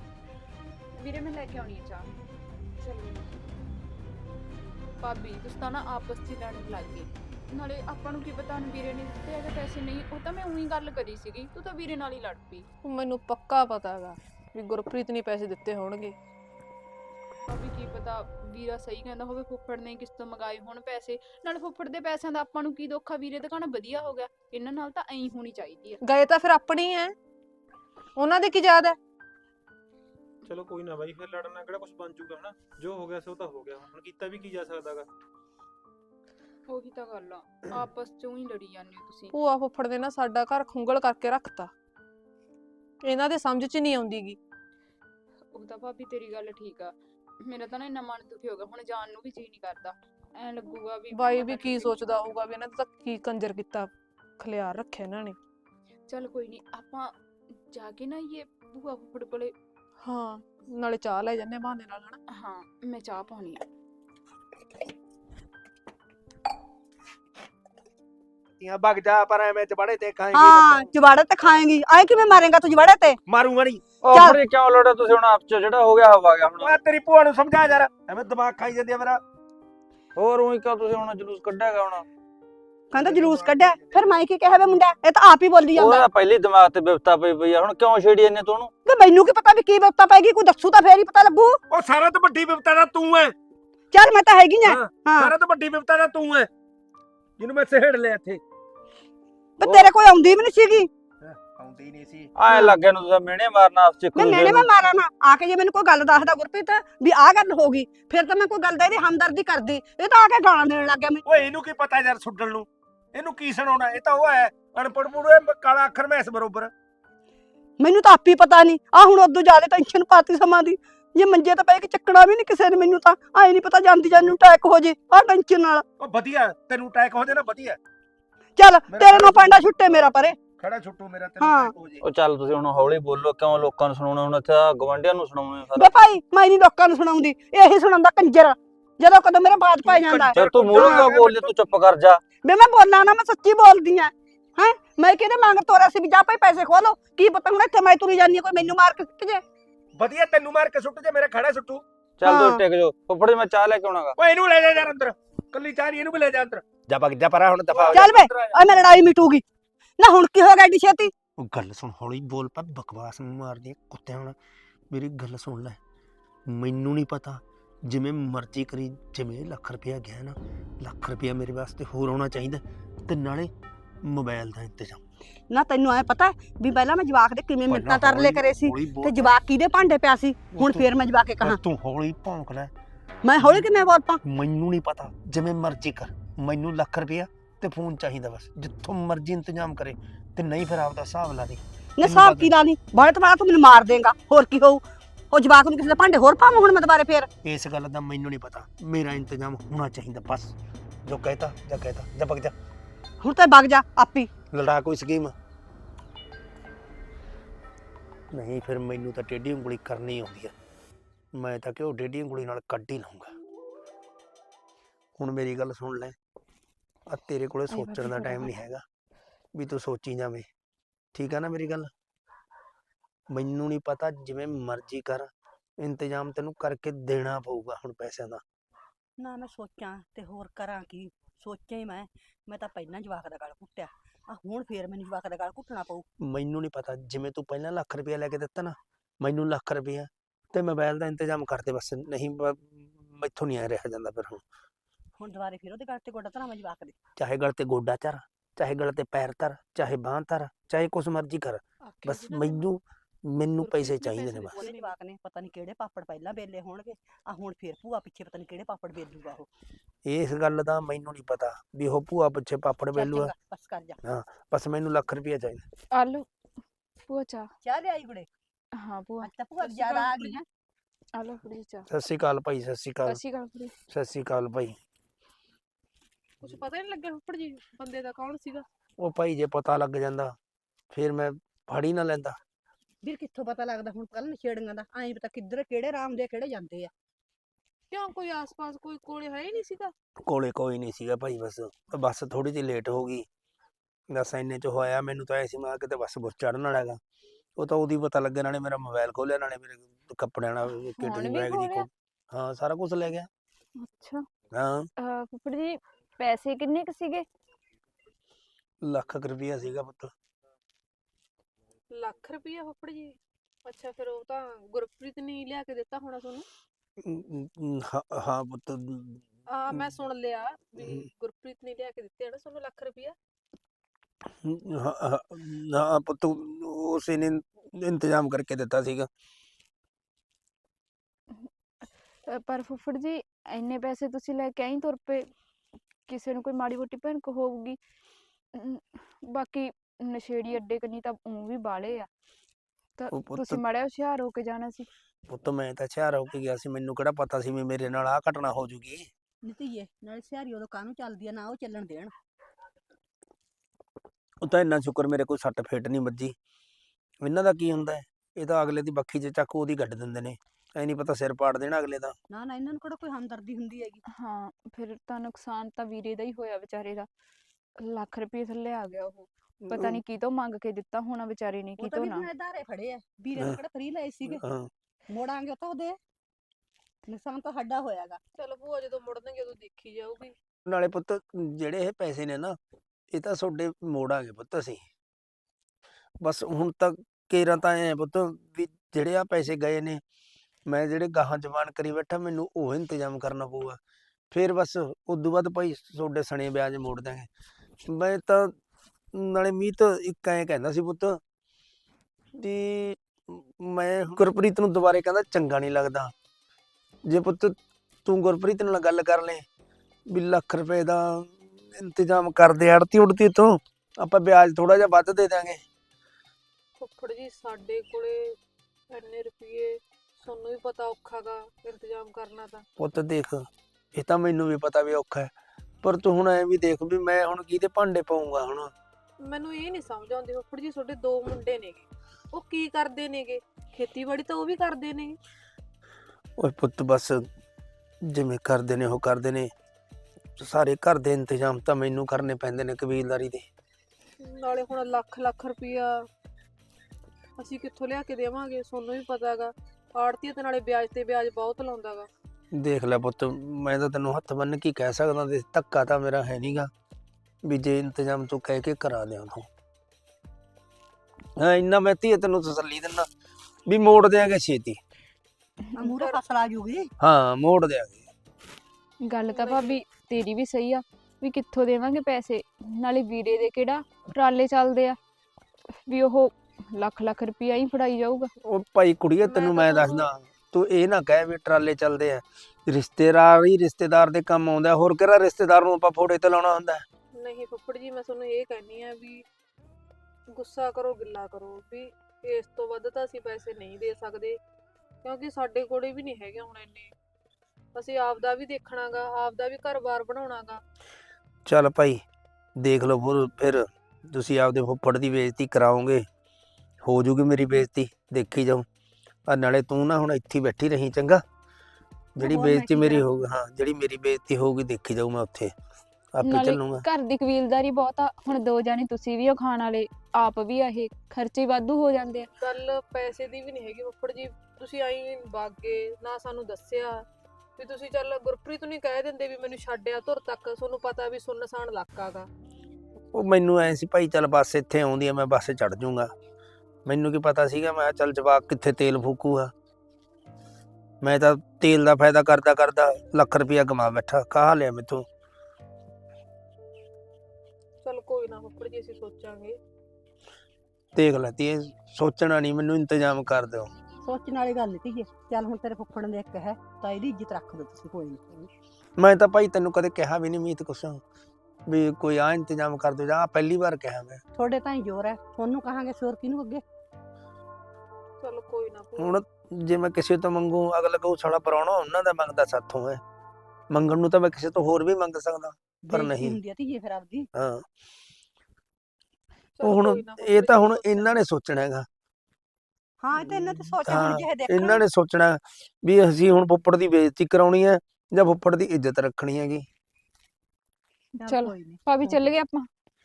C: ਵੀਰੇ ਮੈਂ ਲੈ ਕੇ ਆਉਣੀ ਹੈ ਚਾਹ। ਚਲੋ ਭਾਬੀ, ਤੁਸੀਂ ਤਾਂ ਨਾ ਆਪਸ ਚ ਹੀ ਲੜਨ ਲੱਗ ਗਏ। ਨਾਲੇ ਆਪਾਂ ਨੂੰ ਕੀ ਪਤਾ ਹੁਣ ਵੀਰੇ ਨੇ ਦਿੱਤੇ ਹੈਗੇ ਪੈਸੇ ਨਹੀਂ, ਉਹ ਤਾਂ ਮੈਂ ਉਹੀ ਗੱਲ ਕਰੀ ਸੀਗੀ, ਤੂੰ ਤਾਂ ਵੀਰੇ ਨਾਲ ਹੀ ਲੜ ਪਈ।
D: ਮੈਨੂੰ ਪੱਕਾ ਪਤਾ ਹੈਗਾ ਵੀ ਗੁਰਪ੍ਰੀਤ ਨੇ ਪੈਸੇ ਦਿੱਤੇ ਹੋਣਗੇ।
C: ਭਾਬੀ ਕੀ ਪਤਾ ਵੀਰਾ ਸਹੀ ਕਹਿੰਦਾ ਹੋਵੇ, ਫੁੱਫੜ ਨੇ ਕਿਸ ਤੋਂ ਮੰਗਾਏ ਹੋਣ ਪੈਸੇ। ਨਾਲ ਫੁੱਫੜ ਦੇ ਪੈਸਿਆਂ ਦਾ ਆਪਾਂ ਨੂੰ ਕੀ ਦੁੱਖ ਆ, ਵੀਰੇ ਦਾ ਖਾਣਾ ਵਧੀਆ ਹੋ ਗਿਆ। ਇਹਨਾਂ ਨਾਲ ਤਾਂ ਐਂ ਹੋਣੀ ਚਾਹੀਦੀ ਆ।
D: ਗਏ ਤਾਂ ਫਿਰ ਆਪਣੀ ਐ, ਉਹਨਾਂ ਦੀ ਕੀ ਯਾਦ ਹੈ।
E: ਚਲੋ ਕੋਈ ਨਾ ਬਾਈ, ਫਿਰ ਲੜਨਾ ਕਿਹੜਾ ਕੁਝ ਬਣ ਜੂਗਾ ਹਨਾ। ਜੋ ਹੋ ਗਿਆ ਸੋ ਤਾਂ ਹੋ ਗਿਆ, ਹੁਣ ਕੀਤਾ ਵੀ ਕੀ ਜਾ ਸਕਦਾਗਾ।
C: ਉਹੀ ਤਾਂ ਗੱਲ ਆ, ਆਪਸ ਚੋਂ ਹੀ ਲੜੀ ਜਾਂਦੇ ਹੋ ਤੁਸੀਂ।
D: ਭੂਆ ਫੁੱਫੜ ਨੇ ਨਾ ਸਾਡਾ ਘਰ ਖੁੰਗਲ ਕਰਕੇ ਰੱਖਤਾ, ਇਹਨਾਂ ਦੇ ਸਮਝ 'ਚ ਨਹੀਂ ਆਉਂਦੀਗੀ।
C: ਉਹ ਤਾਂ ਭਾਬੀ ਤੇਰੀ ਗੱਲ ਠੀਕ ਆ, ਮੇਰਾ ਤਾਂ ਨਾ ਇੰਨਾ ਮਨ ਦੁਖੀ ਹੋ ਗਿਆ, ਹੁਣ ਜਾਣ ਨੂੰ ਵੀ ਜੀ ਨਹੀਂ ਕਰਦਾ। ਐਂ ਲੱਗੂਗਾ ਵੀ
D: ਬਾਈ
C: ਪਤਾ
D: ਵੀ
C: ਨੀ
D: ਕੀ
C: ਕਿਵੇਂ
D: ਸੋਚਦਾ ਹੋਊਗਾ ਵੀ ਇਹਨਾਂ ਦਾ ਤਾਂ ਕੀ ਕੰਜਰ ਕੀਤਾ, ਖਲਿਆਰ ਰੱਖਿਆ ਇਹਨਾਂ ਨੇ।
C: ਚੱਲ ਕੋਈ ਨਹੀਂ, ਆਪਾਂ ਜਾ ਕੇ ਨਾ ਇਹ ਭੂਆ ਫੁੱਫੜ ਕੋਲੇ।
D: ਹਾਂ, ਨਾਲੇ ਚਾਹ ਲੈ ਜਾਂਦੇ ਬਹਾਨੇ ਨਾਲ ਹਨਾ।
C: ਹਾਂ ਮੈਂ ਚਾਹ ਪਾਉਣੀ ਆ।
F: ਭਗ ਜਾ, ਪਰ ਐਵੇਂ ਚਬਾੜੇ ਤੇ ਖਾਏਂਗੀ।
A: ਹਾਂ ਜਵਾੜੇ ਤੇ ਖਾਏਂਗੀ, ਆਏ ਕਿਵੇਂ ਮਾਰੇਗਾ ਤੂੰ ਜਵਾੜੇ ਤੇ?
F: ਮਾਰੂੰਗਾ ਨਹੀਂ।
B: ਉਹ
A: ਚੱਲ।
B: ਫਿਰ ਕਿਉਂ ਲੜੇ ਤੁਸੀਂ ਹੁਣ ਆਪ ਚ? ਜਿਹੜਾ ਹੋ ਗਿਆ ਹੋ ਗਿਆ ਹੁਣ।
F: ਮੈਂ ਤੇਰੀ ਭੂਆ ਨੂੰ ਸਮਝਾ ਯਾਰ, ਐਵੇਂ ਦਿਮਾਗ ਖਾਈ ਜਾਂਦੀ ਆ ਮੇਰਾ।
B: ਹੋਰ ਉਹੀ ਕਿਉਂ ਤੁਸੀਂ ਹੁਣ ਜਲੂਸ ਕੱਢਿਆਗਾ ਹੁਣ?
A: ਕਹਿੰਦਾ ਜਲੂਸ ਕੱਢਿਆ, ਫਿਰ ਮੈਂ ਕੀ ਕਿਹਾ ਵੇ ਮੁੰਡਾ, ਇਹ ਤਾਂ ਆਪ ਹੀ ਬੋਲੀ ਜਾਂਦਾ।
B: ਉਹਦਾ ਪਹਿਲੀ ਦਿਮਾਗ ਤੇ ਬਿਪਤਾ ਪਈ ਪਈ ਆ, ਹੁਣ ਕਿਉਂ ਛੇੜੀ ਇਹਨੇ ਤੂੰ ਉਹਨੂੰ?
A: ਕਿ ਮੈਨੂੰ ਕੀ ਪਤਾ ਵੀ ਕੀ ਬਿਪਤਾ ਪੈਗੀ, ਕੋਈ ਦੱਸੂ ਤਾਂ ਫੇਰ ਹੀ ਪਤਾ ਲੱਗੂ।
F: ਉਹ ਸਾਰਾ ਤੋਂ ਵੱਡੀ ਵਿਪਤਾ ਦਾ ਤੂੰ ਐ।
A: ਚੱਲ ਮੈਂ ਤਾਂ ਹੈਗੀ ਆ। ਹਾਂ
F: ਸਾਰਾ ਤੋਂ ਵੱਡੀ ਵਿਪਤਾ ਦਾ ਤੂੰ ਐ, ਜਿਹਨੂੰ ਮੈਂ ਸਹੇੜ ਲਿਆ ਇੱਥੇ।
A: ਪਰ ਤੇਰੇ ਕੋਈ ਆਉਂਦੀ ਵੀ ਨਹੀਂ ਸੀਗੀ।
F: ਆਉਂਦੀ ਨਹੀਂ ਸੀ।
B: ਐ ਲੱਗੇ ਨੂੰ ਤੁਸੀਂ ਮਿਹਣੇ ਮਾਰਨਾ ਆਪਸ ਚ ਇੱਕ
A: ਮੈਂ
B: ਦੂਜੇ
A: ਮੈਨੇ
B: ਨੂੰ।
A: ਮੈਂ ਮਾਰਾਂ ਨਾ, ਆ ਕੇ ਜੇ ਮੈਨੂੰ ਕੋਈ ਗੱਲ ਦੱਸਦਾ ਗੁਰਪ੍ਰੀਤ ਵੀ ਆਹ ਗੱਲ ਹੋ ਗਈ, ਫਿਰ ਤਾਂ ਮੈਂ ਕੋਈ ਗੱਲ ਦਾ ਇਹਦੀ ਹਮਦਰਦੀ ਕਰਦੀ। ਇਹ ਤਾਂ ਆ ਕੇ ਗਾਲਾਂ ਦੇਣ ਲੱਗ ਗਿਆ ਮੈਨੂੰ।
F: ਓਏ ਇਹਨੂੰ ਕੀ ਪਤਾ ਯਾਰ ਸੁੱਡਣ ਨੂੰ, ਇਹਨੂੰ ਕੀ ਸੁਣਾਉਣਾ। ਇਹ ਤਾਂ ਉਹ ਹੈ ਅਨਪੜ੍ਹ ਪੂਰੇ ਕਾਲਾ ਅੱਖਰ ਮੈਸ ਬਰੋਬਰ।
A: ਮੈਨੂੰ ਤਾਂ ਆਪੀ ਪਤਾ ਨਹੀਂ, ਆ ਹੁਣ ਉਦੋਂ ਜ਼ਿਆਦਾ ਟੈਨਸ਼ਨ ਪਾਤੀ ਸਮਾਂ ਦੀ। ਜੇ ਮੰਜੇ ਤੇ ਪੈ ਕੇ ਚੱਕਣਾ ਵੀ ਨਹੀਂ ਕਿਸੇ ਨੇ, ਮੈਨੂੰ ਤਾਂ ਆਏ ਨਹੀਂ ਪਤਾ ਜਾਂਦੀ ਜਾਨ ਨੂੰ ਅਟੈਕ ਹੋ ਜੇ ਆ ਟੈਨਸ਼ਨ ਨਾਲ।
F: ਉਹ ਵਧੀਆ, ਤੈਨੂੰ ਅਟੈਕ ਹੋ ਜੇ ਨਾ ਵਧੀਆ।
A: ਚੱਲ ਤੇਰੇ ਨਾਲ ਪਾਂਡਾ ਛੁੱਟੇ ਮੇਰਾ ਪਰੇ।
F: ਖੜਾ ਛੁੱਟੂ ਮੇਰਾ, ਤੈਨੂੰ
A: ਹਾਂ।
F: ਅਟੈਕ ਹੋ ਜੇ।
B: ਉਹ ਚੱਲ ਤੁਸੀਂ ਹੁਣ ਹੌਲੀ ਬੋਲੋ, ਕਿਉਂ ਲੋਕਾਂ ਨੂੰ ਸੁਣਾਉਣਾ? ਹੁਣ ਇੱਥੇ ਗਵਾਂਢੀਆਂ ਨੂੰ ਸੁਣਾਉਣੇ
A: ਵੇ ਭਾਈ ਮੈਂ ਨਹੀਂ ਲੋਕਾਂ ਨੂੰ ਸੁਣਾਉਂਦੀ, ਇਹੀ ਸੁਣਾਉਂਦਾ ਕੰਜਰ ਜਦੋਂ ਕਦੋਂ ਮੇਰੇ ਬਾਤ ਪੈ ਜਾਂਦਾ।
B: ਫਿਰ ਤੂੰ ਮੂਹਰੋਂ ਕਿਉਂ ਬੋਲਦੀ? ਤੂੰ ਚੁੱਪ ਕਰ ਜਾ।
A: ਵੇ ਮੈਂ ਬੋਲਣਾ ਨਾ, ਮੈਂ ਸੱਚੀ ਬੋਲਦੀ ਆ। ਹੈ ਮੈਂ ਕਿਹਦੇ ਮੰਗ ਤੋਰਿਆ ਸੀ ਵੀ ਜਾ ਭਾਈ ਪੈਸੇ ਖਵਾ ਲੋ, ਕੀ ਪਤਾ ਹੁਣ ਇੱਥੇ ਮੈਂ ਤੁਰੀ ਜਾਂਦੀ ਆ, ਕੋਈ ਮੈਨੂੰ ਮਾਰ ਕੇ ਸੁੱਟ ਜੇ।
F: ਵਧੀਆ, ਤੈਨੂੰ ਮਾਰ ਕੇ ਸੁੱਟ ਜੇ, ਮੇਰੇ ਖੜਾ ਸੁੱਟੂ।
B: ਚੱਲ
A: ਹਾਂ।
B: ਤੂੰ ਟਿਕ ਜਾ, ਫੁੱਫੜ ਜੀ ਮੈਂ ਚਾਹ ਲੈ ਕੇ ਆਉਣਾਗਾ।
F: ਓਏ ਇਹਨੂੰ ਲੈ ਜਾ ਯਾਰ ਅੰਦਰ, ਕੱਲੀ ਚਾਹ ਨੀ, ਇਹਨੂੰ ਵੀ ਲੈ ਜਾ ਅੰਦਰ। ਜਾ ਭਗ ਜਾ ਪਰਾਂ, ਹੁਣ ਦਫਾ ਹੋ
A: ਚੱਲ ਵੇ ਆ ਮੈਂ ਲੜਾਈ ਮਿਟੂਗੀ ਨਾ। ਹੁਣ ਕੀ ਹੋ ਗਿਆ ਏਡੀ ਛੇਤੀ?
F: ਉਹ ਗੱਲ ਸੁਣ, ਹੌਲੀ ਬੋਲ ਪਾ, ਬਕਵਾਸ ਨੂੰ ਮਾਰਦੀ ਕੁੱਤਿਆਂ। ਹੁਣ ਮੇਰੀ ਗੱਲ ਸੁਣ ਲੈ, ਮੈਨੂੰ ਨਹੀਂ ਪਤਾ, ਜਿਵੇਂ ਮਰਜ਼ੀ ਕਰੀ। ਜਿਵੇਂ ਲੱਖ ਰੁਪਇਆ ਗਿਆ ਨਾ, ਲੱਖ ਰੁਪਇਆ ਮੇਰੇ ਵਾਸਤੇ ਹੋਰ ਹੋਣਾ ਚਾਹੀਦਾ, ਤੇ ਨਾਲੇ ਮੋਬਾਈਲ ਦਾ ਇੰਤਜ਼ਾਮ।
A: ਨਾ ਤੈਨੂੰ ਐ ਪਤਾ ਵੀ ਪਹਿਲਾਂ ਮੈਂ ਜਵਾਕ ਦੇ ਕਿਵੇਂ ਮਿੰਟਾਂ ਤਰਲੇ ਕਰੇ ਸੀ,
F: ਹੌਲੀ ਬੋਲ
A: ਤੇ ਜਵਾਕ ਕਿਹਦੇ ਭਾਂਡੇ ਪਿਆ ਸੀ। ਹੁਣ ਫੇਰ ਮੈਂ ਜਵਾਕ ਕੇ ਕਹਾਂ,
F: ਤੂੰ ਹੌਲੀ ਭੌਂਕ ਲੈ।
A: ਮੈਂ ਹੌਲੀ ਕਿਵੇਂ ਬੋਲ ਪਾ?
F: ਮੈਨੂੰ ਨਹੀਂ ਪਤਾ, ਜਿਵੇਂ ਮਰਜ਼ੀ ਕਰ। ਮੈਨੂੰ ਲੱਖ ਰੁਪਇਆ ਤੇ ਫੋਨ ਚਾਹੀਦਾ ਬਸ, ਜਿੱਥੋਂ ਮਰਜ਼ੀ ਇੰਤਜ਼ਾਮ ਕਰੇ, ਤੇ ਨਹੀਂ ਫਿਰ ਆਪਦਾ ਹਿਸਾਬ ਲਾ ਦੇ।
A: ਨੇ ਹਿਸਾਬ ਕੀ ਲਾ ਲਈ, ਬਾਲੇ ਤੋਂ ਬਾਅਦ ਤੂੰ ਮੈਨੂੰ ਮਾਰ ਦੇਂਗਾ, ਹੋਰ ਕੀ ਹੋਊ? ਉਹ ਜਵਾਕ ਨੂੰ ਕਿਸੇ ਦੇ ਭਾਂਡੇ ਹੋਰ ਪਾਵਾਂ ਹੁਣ ਮੈਂ ਦੁਬਾਰੇ ਫੇਰ?
F: ਇਸ ਗੱਲ ਦਾ ਮੈਨੂੰ ਨਹੀਂ ਪਤਾ, ਮੇਰਾ ਇੰਤਜ਼ਾਮ ਹੋਣਾ ਚਾਹੀਦਾ ਬਸ। ਜੋ ਕਹਿਤਾ ਜਾ ਭਗ ਜਾ।
A: ਹੁਣ ਤਾਂ ਵਗ ਜਾ ਆਪੀ।
F: ਲੜਾ ਕੋਈ ਸਕੀਮ ਨਹੀਂ, ਫਿਰ ਮੈਨੂੰ ਤਾਂ ਟੇਢੀ ਉਂਗਲੀ ਕਰਨੀ ਆਉਂਦੀ ਹੈ। ਮੈਂ ਤਾਂ ਕਿ ਉਹ ਟੇਢੀ ਉਂਗਲੀ ਨਾਲ ਕੱਢ ਹੀ ਲਊਂਗਾ। ਹੁਣ ਮੇਰੀ ਗੱਲ ਸੁਣ ਲੈ, ਆ ਤੇਰੇ ਕੋਲੇ ਸੋਚਣ ਦਾ ਟਾਈਮ ਨਹੀਂ ਹੈਗਾ ਵੀ ਤੂੰ ਸੋਚੀ ਜਾਵੇਂ, ਠੀਕ ਆ ਨਾ ਮੇਰੀ ਗੱਲ? ਮੈਨੂੰ ਨਹੀਂ ਪਤਾ, ਜਿਵੇਂ ਮਰਜ਼ੀ ਕਰ, ਇੰਤਜ਼ਾਮ ਤੈਨੂੰ ਕਰਕੇ ਦੇਣਾ ਪਊਗਾ ਹੁਣ ਪੈਸਿਆਂ ਦਾ।
A: ਨਾ ਮੈਂ ਸੋਚਾਂ ਤੇ ਹੋਰ ਕਰਾਂ ਕੀ? ਸੋਚਾਂ ਹੀ ਮੈਂ ਤਾਂ ਪਹਿਲਾਂ ਜਵਾਕ ਦਾ ਗਲ ਘੁੱਟਿਆ, ਆ ਹੁਣ ਫੇਰ ਮੈਨੂੰ ਜਵਾਕ ਦਾ ਗਲ ਘੁੱਟਣਾ ਪਊ।
F: ਮੈਨੂੰ ਨਹੀਂ ਪਤਾ, ਜਿਵੇਂ ਤੂੰ ਪਹਿਲਾਂ ਲੱਖ ਰੁਪਇਆ ਲੈ ਕੇ ਦਿੱਤਾ ਨਾ, ਮੈਨੂੰ ਲੱਖ ਰੁਪਇਆ ਤੇ ਮੋਬਾਈਲ ਦਾ ਇੰਤਜ਼ਾਮ ਕਰਦੇ ਬਸ। ਨਹੀਂ ਮੈਥੋਂ ਨਹੀਂ ਆ ਰਿਹਾ ਜਾਂਦਾ ਫਿਰ।
A: ਹੁਣ ਦੁਬਾਰੇ ਫੇਰ ਉਹਦੇ ਗਲ ਤੇ ਗੋਡਾ ਧਰਾਂ ਮੈਂ ਜਵਾਕ ਦੇ?
F: ਚਾਹੇ ਗਲ ਤੇ ਗੋਡਾ ਧਰ, ਚਾਹੇ ਗਲ ਤੇ ਪੈਰ ਧਰ, ਚਾਹੇ ਬਾਂਹ ਧਰ, ਚਾਹੇ ਕੁਛ ਮਰਜ਼ੀ ਕਰ, ਬਸ ਮੈਨੂੰ ਪੈਸੇ ਚਾਹੀਦੇ ਨੇ ਬਸ।
A: ਉਹਦੇ ਜਵਾਕ ਨੇ ਪਤਾ ਨਹੀਂ ਕਿਹੜੇ ਪਾਪੜ ਪਹਿਲਾਂ ਵੇਲੇ ਹੋਣਗੇ, ਆ ਹੁਣ ਫੇਰ ਭੂਆ ਪਿੱਛੇ ਪਤਾ ਨਹੀਂ ਕਿਹੜੇ ਪਾਪੜ ਵੇਲੂਗਾ ਉਹ।
F: ਇਸ ਗੱਲ ਦਾ ਮੈਨੂੰ ਨਹੀਂ ਪਤਾ ਵੀ ਉਹ ਭੂਆ ਪਿੱਛੇ ਪਾਪੜ
A: ਚੱਲ
F: ਵੇਲੂਆ।
A: ਚੰਗਾ, ਬਸ ਕਰ ਜਾ।
F: ਹਾਂ ਬਸ ਮੈਨੂੰ ਲੱਖ ਰੁਪਇਆ ਚਾਹੀਦਾ।
C: ਆਲੂ ਭੂਆ ਚਾਹ।
A: ਚਾਹ ਲਿਆਈ ਕੁੜੇ?
C: ਹਾਂ ਭੂਆ,
A: ਅੱਜ ਤਾਂ ਭੂਆ ਜ਼ਿਆਦਾ ਆ ਗਈ ਹੈ।
C: ਆਲੂ ਫੜੀ ਚਾਹ।
F: ਸਤਿ ਸ਼੍ਰੀ ਅਕਾਲ ਭਾਈ, ਸਤਿ ਸ਼੍ਰੀ ਅਕਾਲ,
C: ਅਸੀਂ ਗੱਲ ਫੜੀ।
F: ਸਤਿ ਸ਼੍ਰੀ ਅਕਾਲ ਭਾਈ।
D: ਕੁਝ ਪਤਾ ਹੀ ਨਹੀਂ ਲੱਗਿਆ ਫੁੱਫੜ ਜੀ ਬੰਦੇ ਦਾ ਕੌਣ ਸੀਗਾ।
F: ਉਹ ਭਾਈ ਜੇ ਪਤਾ ਲੱਗ ਜਾਂਦਾ ਫਿਰ ਮੈਂ ਫੜ ਹੀ ਨਾ ਲੈਂਦਾ।
A: ਵੀਰ ਕਿੱਥੋਂ ਪਤਾ ਲੱਗਦਾ ਹੁਣ ਕੱਲ ਨਸ਼ੇੜੀਆਂ ਦਾ? ਐਂ ਪਤਾ ਕਿੱਧਰ ਕਿਹੜੇ ਰਾਮ ਦੇ ਕਿਹੜੇ ਜਾਂਦੇ ਆ।
D: ਕਿਉਂ ਕੋਈ ਆਸ-ਪਾਸ ਕੋਈ ਕੋਲੇ ਹੈ ਹੀ ਨਹੀਂ ਸੀਗਾ?
F: ਕੋਲੇ ਕੋਈ ਨਹੀਂ ਸੀਗਾ ਭਾਈ, ਬਸ ਥੋੜੀ ਜਿਹੀ ਲੇਟ ਹੋ ਗਈ, ਬਸ ਇੰਨੇ ਚ ਹੋਇਆ। ਮੈਨੂੰ ਤਾਂ ਐਸੀ ਮਾਂ ਕਿਤੇ ਬਸ ਬੁਰ ਚੜਨ ਵਾਲਾ ਹੈਗਾ। ਉਹ ਤਾਂ ਉਹਦੀ ਪਤਾ ਲੱਗਿਆ, ਨਾਲੇ ਮੇਰਾ ਮੋਬਾਈਲ ਖੋਲਿਆ, ਨਾਲੇ ਮੇਰੇ ਕੱਪੜਿਆਂ ਨਾਲ ਕਿਟ
C: ਹੁਣ
F: ਦੀ
C: ਵੀ
F: ਬੈਗ ਦੀ
C: ਖੋਲਿਆ?
F: ਹਾਂ ਸਾਰਾ ਕੁਝ ਲੈ ਗਿਆ।
C: ਅੱਛਾ
F: ਹਾਂ
C: ਫੁੱਫੜ ਜੀ ਪੈਸੇ ਕਿੰਨੇ ਕ ਸੀਗੇ?
F: ਲੱਖ ਕੁ ਰੁਪਈਆ ਸੀਗਾ ਪੁੱਤ।
D: ਲੱਖ ਰੁਪਈਆ ਫੁੱਫੜ ਜੀ? ਅੱਛਾ ਫਿਰ ਉਹ ਤਾਂ ਗੁਰਪ੍ਰੀਤ ਨੇ ਹੀ ਲਿਆ ਕੇ ਦਿੱਤਾ ਹੋਣਾ ਤੁਹਾਨੂੰ।
F: ਹਾਂ ਹਾਂ ਪੁੱਤ
D: ਆ ਮੈਂ ਸੁਣ ਲਿਆ ਵੀ ਗੁਰਪ੍ਰੀਤ ਨੇ ਲਿਆ ਕੇ ਦਿੱਤੇ ਆ ਨਾ ਤੁਹਾਨੂੰ ਲੱਖ ਰੁਪਇਆ।
F: ਹਾਂ ਹਾਂ ਹਾਂ ਪੁੱਤ ਉਸੇ ਨੇ ਇੰਤਜ਼ਾਮ ਕਰਕੇ ਦਿੱਤਾ ਸੀਗਾ।
C: ਪਰ ਫੁੱਫੜ ਜੀ ਇੰਨੇ ਪੈਸੇ ਤੁਸੀਂ ਲੈ ਕੇ ਆਈ ਤੁਰ ਪਏ, ਕਿਸੇ ਨੂੰ ਕੋਈ ਮਾੜੀ ਮੋਟੀ ਭਿਣਕ ਹੋਊਗੀ। ਅਮ, ਬਾਕੀ ਨਸ਼ੇੜੀ ਅੱਡੇ ਕੰਨੀ ਤਾਂ ਊਂ ਵੀ ਬਾਲੇ ਆ, ਤਾਂ
F: ਉਹ ਪੁੱਤ
C: ਤੁਸੀਂ ਮਾੜਾ ਹੁਸ਼ਿਆਰ ਹੋ ਕੇ ਜਾਣਾ ਸੀ।
F: ਪੁੱਤ ਮੈਂ ਤਾਂ ਹੁਸ਼ਿਆਰ ਹੋ ਕੇ ਗਿਆ ਸੀ, ਮੈਨੂੰ ਕਿਹੜਾ ਪਤਾ ਸੀ ਵੀ ਮੇਰੇ ਨਾਲ ਆਹ ਘਟਨਾ ਹੋ ਜੂਗੀ।
A: ਨਤੀਏ ਨਾਲੇ ਸਿਹਾਰੀ ਉਦੋਂ ਕਾਹਨੂੰ ਚੱਲਦੀ ਆ, ਨਾ ਉਹ ਚੱਲਣ ਦੇਣ।
F: ਉਹ ਤਾਂ ਇੰਨਾ ਸ਼ੁਕਰ ਮੇਰੇ ਕੋਈ ਸੱਟ ਫੇਟ ਨਹੀਂ ਵੱਜੀ। ਇਹਨਾਂ ਦਾ ਕੀ ਹੁੰਦਾ ਹੈ, ਇਹ ਤਾਂ ਅਗਲੇ ਦੀ ਬੱਖੀ 'ਚ ਚੱਕ ਉਹਦੀ ਕੱਢ ਦਿੰਦੇ ਨੇ, ਐ ਨਹੀਂ ਪਤਾ ਸਿਰ ਪਾੜ ਦੇਣਾ ਅਗਲੇ ਦਾ।
A: ਨਾ ਨਾ ਇਹਨਾਂ ਨੂੰ ਕਿਹੜਾ ਕੋਈ ਹਮਦਰਦੀ ਹੁੰਦੀ ਹੈਗੀ।
C: ਹਾਂ ਫਿਰ ਤਾਂ ਨੁਕਸਾਨ ਤਾਂ ਵੀਰੇ ਦਾ ਹੀ ਹੋਇਆ ਵਿਚਾਰੇ ਦਾ। ਲੱਖ ਰੁਪਏ ਥੱਲੇ ਆ ਗਿਆ ਉਹ, ਪਤਾ ਨਹੀਂ ਕਿਤੋਂ ਮੰਗ ਕੇ ਦਿੱਤਾ ਹੋਣਾ ਵਿਚਾਰੇ ਨੇ,
A: ਉਹ ਤਾਂ
C: ਕਿਤੋਂ
A: ਵੀ
C: ਨਾ।
A: ਹੁਣ ਅਦਾਰੇ ਫੜੇ ਆ, ਵੀਰੇ ਨੂੰ ਕਿਹੜਾ ਫਰੀ ਲਏ ਸੀਗੇ।
F: ਹਾਂ
A: ਮੋੜਾਂਗੇ ਉਹ ਤਾਂ ਉਹਦੇ ਨੁਕਸਾਨ ਤਾਂ ਸਾਡਾ ਹੋਇਆਗਾ।
D: ਚਲੋ ਭੂਆ ਜਦੋਂ ਮੁੜਨਗੇ ਉਦੋਂ ਦੇਖੀ ਜਾਊਗੀ।
F: ਨਾਲੇ ਪੁੱਤ ਜਿਹੜੇ ਇਹ ਪੈਸੇ ਨੇ ਨਾ, ਇਹ ਤਾਂ ਤੁਹਾਡੇ ਮੋੜਾਂਗੇ ਪੁੱਤ ਅਸੀਂ। ਬਸ ਹੁਣ ਤਾਂ ਕੇਰਾਂ ਤਾਂ ਐ ਪੁੱਤ ਵੀ ਜਿਹੜੇ ਆ ਪੈਸੇ ਗਏ ਨੇ, ਮੈਂ ਜਿਹੜੇ ਗਾਹਾਂ ਜਮਾਨ ਕਰੀ ਬੈਠਾ ਮੈਨੂੰ ਉਹ ਇੰਤਜ਼ਾਮ ਕਰਨਾ ਪਊਗਾ। ਫਿਰ ਬਸ ਉਦੋਂ ਬਾਅਦ ਭਾਈ ਤੁਹਾਡੇ ਸਣੇ ਵਿਆਜ ਮੋੜ ਦਾਂਗੇ। ਮੈਂ ਤਾਂ ਨਾਲੇ ਮੀਤ ਇੱਕ ਐਂ ਕਹਿੰਦਾ ਸੀ ਪੁੱਤ ਵੀ ਮੈਂ ਗੁਰਪ੍ਰੀਤ ਨੂੰ ਦੁਬਾਰੇ ਕਹਿੰਦਾ ਚੰਗਾ ਨਹੀਂ ਲੱਗਦਾ। ਜੇ ਪੁੱਤ ਤੂੰ ਗੁਰਪ੍ਰੀਤ ਨਾਲ ਗੱਲ ਕਰ ਲੈ ਵੀ ਲੱਖ ਰੁਪਏ ਦਾ ਇੰਤਜ਼ਾਮ ਕਰਦੇ ਆੜਤੀ ਉੜਤੀ ਤੋਂ, ਆਪਾਂ ਵਿਆਜ ਥੋੜਾ ਜਿਹਾ ਵੱਧ ਦੇ ਦਾਂਗੇ।
D: ਫੁੱਫੜ ਜੀ ਸਾਡੇ ਕੋਲੇ ਇੰਨੇ ਰੁਪਏ ਤੁਹਾਨੂੰ ਵੀ ਪਤਾ ਔਖਾ ਗਾ ਇੰਤਜ਼ਾਮ ਕਰਨਾ ਤਾਂ।
F: ਪੁੱਤ ਦੇਖ ਇਹ ਤਾਂ ਮੈਨੂੰ ਵੀ ਪਤਾ ਵੀ ਔਖਾ ਹੈ, ਪਰ ਤੂੰ ਹੁਣ ਐ ਵੀ ਦੇਖ ਵੀ ਮੈਂ ਹੁਣ ਕਿਹਦੇ ਭਾਂਡੇ ਪਾਉਂਗਾ ਹੁਣ।
D: ਮੈਨੂੰ ਇਹ ਨਹੀਂ ਸਮਝ ਆਉਂਦੀ ਫੁੱਫੜ ਜੀ, ਤੁਹਾਡੇ ਦੋ ਮੁੰਡੇ ਨੇਗੇ, ਉਹ ਕੀ ਕਰਦੇ ਨੇਗੇ? ਖੇਤੀਬਾੜੀ ਤਾਂ ਉਹ ਵੀ ਕਰਦੇ ਨੇ।
F: ਓਏ ਪੁੱਤ ਬਸ ਜਿਵੇਂ ਕਰਦੇ ਨੇ ਉਹ ਕਰਦੇ ਨੇ, ਸਾਰੇ ਘਰ ਦੇ ਇੰਤਜ਼ਾਮ ਤਾਂ ਮੈਨੂੰ ਕਰਨੇ ਪੈਂਦੇ ਨੇ ਕਬੀਲਦਾਰੀ ਦੇ।
D: ਨਾਲੇ ਹੁਣ ਲੱਖ ਲੱਖ ਰੁਪਇਆ ਅਸੀਂ ਕਿੱਥੋਂ ਲਿਆ ਕੇ ਦੇਵਾਂਗੇ? ਤੁਹਾਨੂੰ ਵੀ ਪਤਾ ਗਾ ਆੜਤੀ ਤੇ ਨਾਲੇ ਵਿਆਜ ਤੇ ਵਿਆਜ ਬਹੁਤ ਲਾਉਂਦਾ ਗਾ।
F: ਦੇਖ ਲੈ ਪੁੱਤ ਮੈਂ ਤਾਂ ਤੈਨੂੰ ਹੱਥ ਬੰਨ ਕੇ ਕਹਿ ਸਕਦਾ, ਤੇ ਧੱਕਾ ਤਾਂ ਮੇਰਾ ਹੈ ਨਹੀਂਗਾ ਵੀ ਜੇ ਇੰਤਜ਼ਾਮ ਤੂੰ ਕਹਿ ਕੇ ਕਰਾ ਦਿਆਂ ਤੂੰ। ਹਾਂ ਇੰਨਾ ਮੈਂ ਧੀਏ ਤੈਨੂੰ ਤਸੱਲੀ ਦਿੰਦਾ ਵੀ ਮੋੜ ਦਿਆਂਗੇ ਛੇਤੀ।
A: ਮੂਹਰੇ ਫਸਲ ਆ ਜੂਗੀ।
F: ਹਾਂ ਮੋੜ ਦਿਆਂਗੇ।
C: ਗੱਲ ਤਾਂ ਭਾਬੀ ਤੇਰੀ ਵੀ ਸਹੀ ਆ, ਵੀ ਕਿੱਥੋਂ ਦੇਵਾਂਗੇ ਪੈਸੇ? ਨਾਲੇ ਵੀਰੇ ਦੇ ਕਿਹੜਾ ਟਰਾਲੇ ਚੱਲਦੇ ਆ ਵੀ ਉਹ ਲੱਖ ਲੱਖ ਰੁਪਈਆ ਹੀ ਫੜਾਈ ਜਾਊਗਾ।
F: ਉਹ ਭਾਈ ਕੁੜੀਏ ਤੈਨੂੰ ਮੈਂ ਦੱਸਦਾ, ਤੂੰ ਇਹ ਨਾ ਕਹਿ ਵੀ ਟਰਾਲੇ ਚੱਲਦੇ ਆ, ਰਿਸ਼ਤੇਦਾਰ ਹੀ ਰਿਸ਼ਤੇਦਾਰ ਦੇ ਕੰਮ ਆਉਂਦਾ, ਹੋਰ ਕਿਹੜਾ ਰਿਸ਼ਤੇਦਾਰ ਨੂੰ ਆਪਾਂ ਫੋੜੇ ਤੇ ਲਾਉਣਾ ਹੁੰਦਾ।
D: ਨਹੀਂ ਫੁੱਫੜ ਜੀ ਮੈਂ ਤੁਹਾਨੂੰ ਇਹ ਕਹਿੰਦੀ ਆ ਵੀ ਗੁੱਸਾ ਕਰੋ ਗਿੱਲਾ ਕਰੋ, ਵੀ ਇਸ ਤੋਂ ਵੱਧ ਤਾਂ ਅਸੀਂ ਪੈਸੇ ਨਹੀਂ ਦੇ ਸਕਦੇ, ਕਿਉਂਕਿ ਸਾਡੇ ਕੋਲੇ ਵੀ ਨਹੀਂ ਹੈਗੇ ਹੁਣ ਇੰਨੇ। ਅਸੀਂ ਆਪਦਾ ਵੀ ਦੇਖਣਾਗਾ, ਆਪਦਾ ਵੀ ਘਰ-ਬਾਰ ਬਣਾਉਣਾਗਾ।
F: ਚੱਲ ਭਾਈ ਦੇਖ ਲਓ ਫਿਰ ਤੁਸੀਂ ਆਪਦੇ ਫੁੱਫੜ ਦੀ ਬੇਇੱਜ਼ਤੀ ਕਰਾਓਗੇ, ਹੋ ਜੂਗੀ ਮੇਰੀ ਬੇਇੱਜ਼ਤੀ ਦੇਖੀ ਜਾਓ। ਆ ਨਾਲੇ ਤੂੰ ਨਾ ਹੁਣ ਇੱਥੇ ਬੈਠੀ ਰਹੀ ਚੰਗਾ, ਜਿਹੜੀ
A: ਹੋਰ ਮੈਂ
F: ਬੇਇੱਜ਼ਤੀ
A: ਕੀ
F: ਮੇਰੀ
A: ਕਰਾਂ?
F: ਹੋਊਗੀ, ਹਾਂ ਜਿਹੜੀ ਮੇਰੀ ਬੇਇੱਜ਼ਤੀ ਹੋਊਗੀ ਦੇਖੀ ਜਾਊ ਮੈਂ ਉੱਥੇ ਆਪੇ
C: ਨਾਲੇ
F: ਚੱਲੂਗਾ।
C: ਘਰ ਦੀ ਕਬੀਲਦਾਰੀ ਬਹੁਤ ਆ, ਹੁਣ ਦੋ ਜਾਣੇ ਤੁਸੀਂ ਵੀ ਹੋ ਖਾਣ ਵਾਲੇ, ਆਪ ਵੀ ਆ, ਇਹ ਖਰਚੇ ਵਾਧੂ ਹੋ ਜਾਂਦੇ ਆ।
D: ਗੱਲ ਪੈਸੇ ਦੀ ਵੀ ਨਹੀਂ ਹੈਗੀ ਫੁੱਫੜ ਜੀ, ਤੁਸੀਂ ਆਈ ਬਾਗੇ ਨਾ ਸਾਨੂੰ ਦੱਸਿਆ ਵੀ ਤੁਸੀਂ ਚੱਲ ਗੁਰਪ੍ਰੀਤ ਨੂੰ ਹੀ ਕਹਿ ਦਿੰਦੇ ਵੀ ਮੈਨੂੰ ਛੱਡਿਆ ਧੁਰ ਤੱਕ, ਤੁਹਾਨੂੰ ਪਤਾ ਵੀ ਸੁੰਨਸਾਨ ਇਲਾਕਾ ਗਾ।
F: ਉਹ ਮੈਨੂੰ ਐ ਸੀ ਭਾਈ ਚੱਲ ਬੱਸ ਇੱਥੇ ਆਉਂਦੀ ਆ ਮੈਂ ਬੱਸ ਚੜ ਜਾਊਂਗਾ, ਮੈਨੂੰ ਕੀ ਪਤਾ ਸੀਗਾ, ਮੈਂ ਕਿਹਾ ਚੱਲ ਜਵਾਕ ਕਿੱਥੇ ਤੇਲ ਫੂਕੂਗਾ। ਮੈਂ ਤਾਂ ਤੇਲ ਦਾ ਫਾਇਦਾ ਕਰਦਾ ਕਰਦਾ ਲੱਖ ਰੁਪਇਆ ਕਮਾ ਬੈਠਾ, ਕਾਹ ਲਿਆ ਮੈਥੋਂ।
D: ਚੱਲ ਕੋਈ ਨਾ ਫੁੱਫੜ ਜੀ ਅਸੀਂ ਸੋਚਾਂਗੇ।
F: ਦੇਖ ਲੈ ਤੀ ਸੋਚਣਾ ਨਹੀਂ, ਮੈਨੂੰ ਇੰਤਜ਼ਾਮ ਕਰ ਦਿਓ।
A: ਸੋਚਣ ਵਾਲੀ ਗੱਲ ਨਹੀਂ ਧੀਏ। ਚੱਲ ਹੁਣ ਤੇਰੇ ਫੁੱਫੜ ਨੇ ਇੱਕ ਹੈ ਤਾਂ ਇਹਦੀ ਇੱਜ਼ਤ ਰੱਖ ਦੋ ਤੁਸੀਂ, ਕੋਈ ਨਹੀਂ।
F: ਮੈਂ ਤਾਂ ਭਾਈ ਤੈਨੂੰ ਕਦੇ ਕਿਹਾ ਵੀ ਨਹੀਂ ਮੀਤ ਕੁਛ ਵੀ ਕੋਈ ਆ ਇੰਤਜ਼ਾਮ ਕਰ ਦਿਓ, ਜਾਂ ਪਹਿਲੀ ਵਾਰ ਕਿਹਾ ਮੈਂ।
A: ਤੁਹਾਡੇ ਤਾਂ ਹੀ ਜ਼ੋਰ ਹੈ, ਤੁਹਾਨੂੰ ਕਹਾਂਗੇ ਸ਼ੋਰ ਕਿਹਨੂੰ ਅੱਗੇ।
D: ਚਲ ਕੋਈ ਨਾ ਭੂਆ।
F: ਹੁਣ ਜੇ ਮੈਂ ਕਿਸੇ ਤੋਂ ਮੰਗੂ ਅਗਲਾ ਕਹੂ ਸਾਲਾ ਪਰਾਉਣਾ ਉਹਨਾਂ ਦਾ ਮੰਗਦਾ ਸਾਥੋਂ ਹੈ, ਮੰਗਣ ਨੂੰ ਤਾਂ ਮੈਂ ਕਿਸੇ ਤੋਂ ਹੋਰ ਵੀ ਮੰਗ ਸਕਦਾ, ਪਰ
A: ਬੇਇੱਜ਼ਤੀ
F: ਨਹੀਂ।
A: ਹੁੰਦੀ ਆ ਧੀਏ ਫਿਰ ਆਪਦੀ।
F: ਹਾਂ
D: ਚੱਲ
F: ਉਹ ਹੁਣ
D: ਕੋਈ ਨਾ
F: ਇਹ
D: ਫੁੱਫੜ
F: ਤਾਂ
D: ਜੀ
F: ਹੁਣ
D: ਸੋਚਾਂਗੇ।
F: ਇਹਨਾਂ ਨੇ ਸੋਚਣਾ ਹੈਗਾ।
A: ਹਾਂ ਇਹ ਤਾਂ ਇਹਨਾਂ ਤੇ ਸੋਚ ਹੁਣ
F: ਹਾਂ
A: ਜਿਹੇ ਦੇਖਣ।
F: ਇਹਨਾਂ ਨੇ ਸੋਚਣਾ ਵੀ ਅਸੀਂ ਹੁਣ ਫੁੱਫੜ ਦੀ ਬੇਇੱਜ਼ਤੀ ਕਰਾਉਣੀ ਹੈ ਜਾਂ ਫੁੱਫੜ ਦੀ ਇੱਜ਼ਤ ਰੱਖਣੀ ਹੈਗੀ।
C: ਚੱਲ
A: ਕੋਈ ਨੀ।
C: ਭਾਬੀ ਚੱਲ ਗਏ ਆਪਾਂ।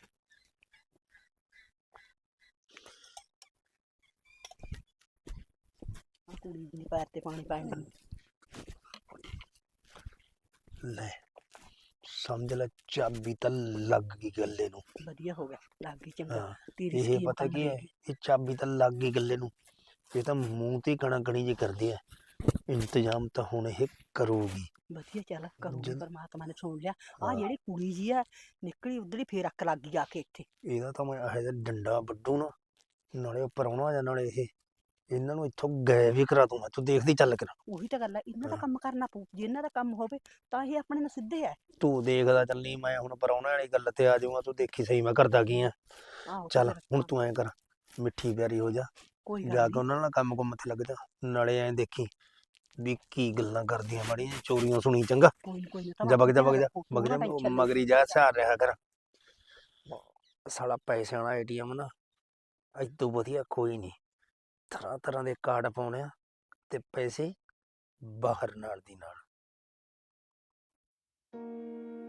A: ਆਹ ਕੁੜੀ ਦੀ ਪੈਰ ਤੇ ਪਾਣੀ ਪਾਣ ਦੀ।
F: ਲੈ ਸਮਝ ਲੈ ਚਾਬੀ ਤਾਂ ਲੱਗ ਗਈ ਗੱਲੇ ਨੂੰ।
A: ਵਧੀਆ ਹੋ ਗਿਆ, ਲੱਗ ਗਈ ਚੰਗਾ।
F: ਹਾਂ
A: ਤੇਰੀ
F: ਇਹ
A: ਸਕੀਮ
F: ਪਤਾ
A: ਕੰਮ
F: ਕੀ ਹੈ,
A: ਲੱਗੀ।
F: ਇਹ ਚਾਬੀ ਤਾਂ ਲੱਗ ਗਈ ਗੱਲੇ ਨੂੰ। ਇਹ ਤਾਂ ਮੂੰਹ ਤੇ ਕਣਾ ਕਣੀ ਜੀ ਕਰਦੀ ਐ। ਇੰਤਜ਼ਾਮ ਤਾਂ ਹੁਣ ਇਹ ਕਰੂਗੀ।
A: ਵਧੀਆ ਚੱਲ ਕਰੂਗੀ,
F: ਜਿੰਨ-
A: ਪਰਮਾਤਮਾ ਨੇ ਸੁਣ ਲਿਆ। ਆ
F: ਹਾਂ।
A: ਜਿਹੜੀ ਕੁੜੀ ਜੀ ਆ ਨਿਕਲੀ ਉਧਰ ਹੀ ਫੇਰ ਅੱਕ ਲੱਗ ਗਈ ਆ ਕੇ ਇੱਥੇ।
F: ਇਹਦਾ ਤਾਂ ਮੈਂ ਇਹੋ ਜਿਹਾ ਡੰਡਾ ਵੱਢੂ ਨਾ, ਨਾਲੇ ਉਹ ਪ੍ਰਾਹੁਣਾ ਜਾਂ ਨਾਲੇ ਇਹ, ਇਹਨਾਂ ਨੂੰ ਇੱਥੋਂ ਗਾਇਬ ਵੀ ਕਰਾ ਦੂੰਗਾ। ਤੂੰ ਦੇਖਦੀ ਚੱਲ ਕਰ।
A: ਉਹੀ ਤਾਂ ਗੱਲ ਹੈ, ਇਹਨਾਂ ਦਾ
F: ਹਾਂ।
A: ਕੰਮ ਕਰਨਾ ਪਊ। ਜੇ ਇਹਨਾਂ ਦਾ ਕੰਮ ਹੋਵੇ ਤਾਂ ਇਹ ਆਪਣੇ ਨਾਲ ਸਿੱਧੇ ਆ।
F: ਤੂੰ ਦੇਖਦਾ ਚੱਲੀ, ਮੈਂ ਹੁਣ ਪ੍ਰਾਹੁਣੇ ਵਾਲੀ ਗੱਲ ਤੇ ਆ ਜਾਊਂਗਾ। ਤੂੰ ਦੇਖੀ ਸਹੀ ਮੈਂ ਕਰਦਾ ਕੀ ਆ।
A: ਆਹੋ
F: ਚੱਲ
A: ਫਿਰ
F: ਹੁਣ
A: ਹਾਂ,
F: ਤੂੰ ਐਂ ਕਰ, ਮਿੱਠੀ ਪਿਆਰੀ ਹੋ ਜਾ,
A: ਕੋਈ
F: ਜਾ
A: ਗੱਲ
F: ਕੇ ਉਹਨਾਂ ਨਾਲ ਕੰਮ ਕੁੰਮ ਤੇ ਲੱਗ ਜਾ। ਨਾਲੇ ਐਂ ਦੇਖੀ ਵੀ ਕੀ ਗੱਲਾਂ ਕਰਦੀਆਂ ਮਾੜੀਆਂ ਜਿਹੀਆਂ ਚੋਰੀਆਂ ਸੁਣੀ, ਚੰਗਾ।
A: ਕੋਈ ਨਾ
F: ਜਾ ਵਗ ਜਾ ਵਗ ਜਾ ਵਗ ਜਾ, ਮਗਰੀ ਜਾ ਸਿਆਰ ਰਿਹਾ ਕਰ। ਸਾਲਾ ਪੈਸਿਆਂ ਵਾਲਾ ਏਟੀਐਮ ਨਾ ਇਦੋਂ ਵਧੀਆ ਕੋਈ ਨਹੀਂ। ਤਰ੍ਹਾਂ ਤਰ੍ਹਾਂ ਦੇ ਕਾਰਡ ਪਾਉਣੇ ਆ ਤੇ ਪੈਸੇ ਬਾਹਰ ਨਾਲ ਦੀ ਨਾਲ।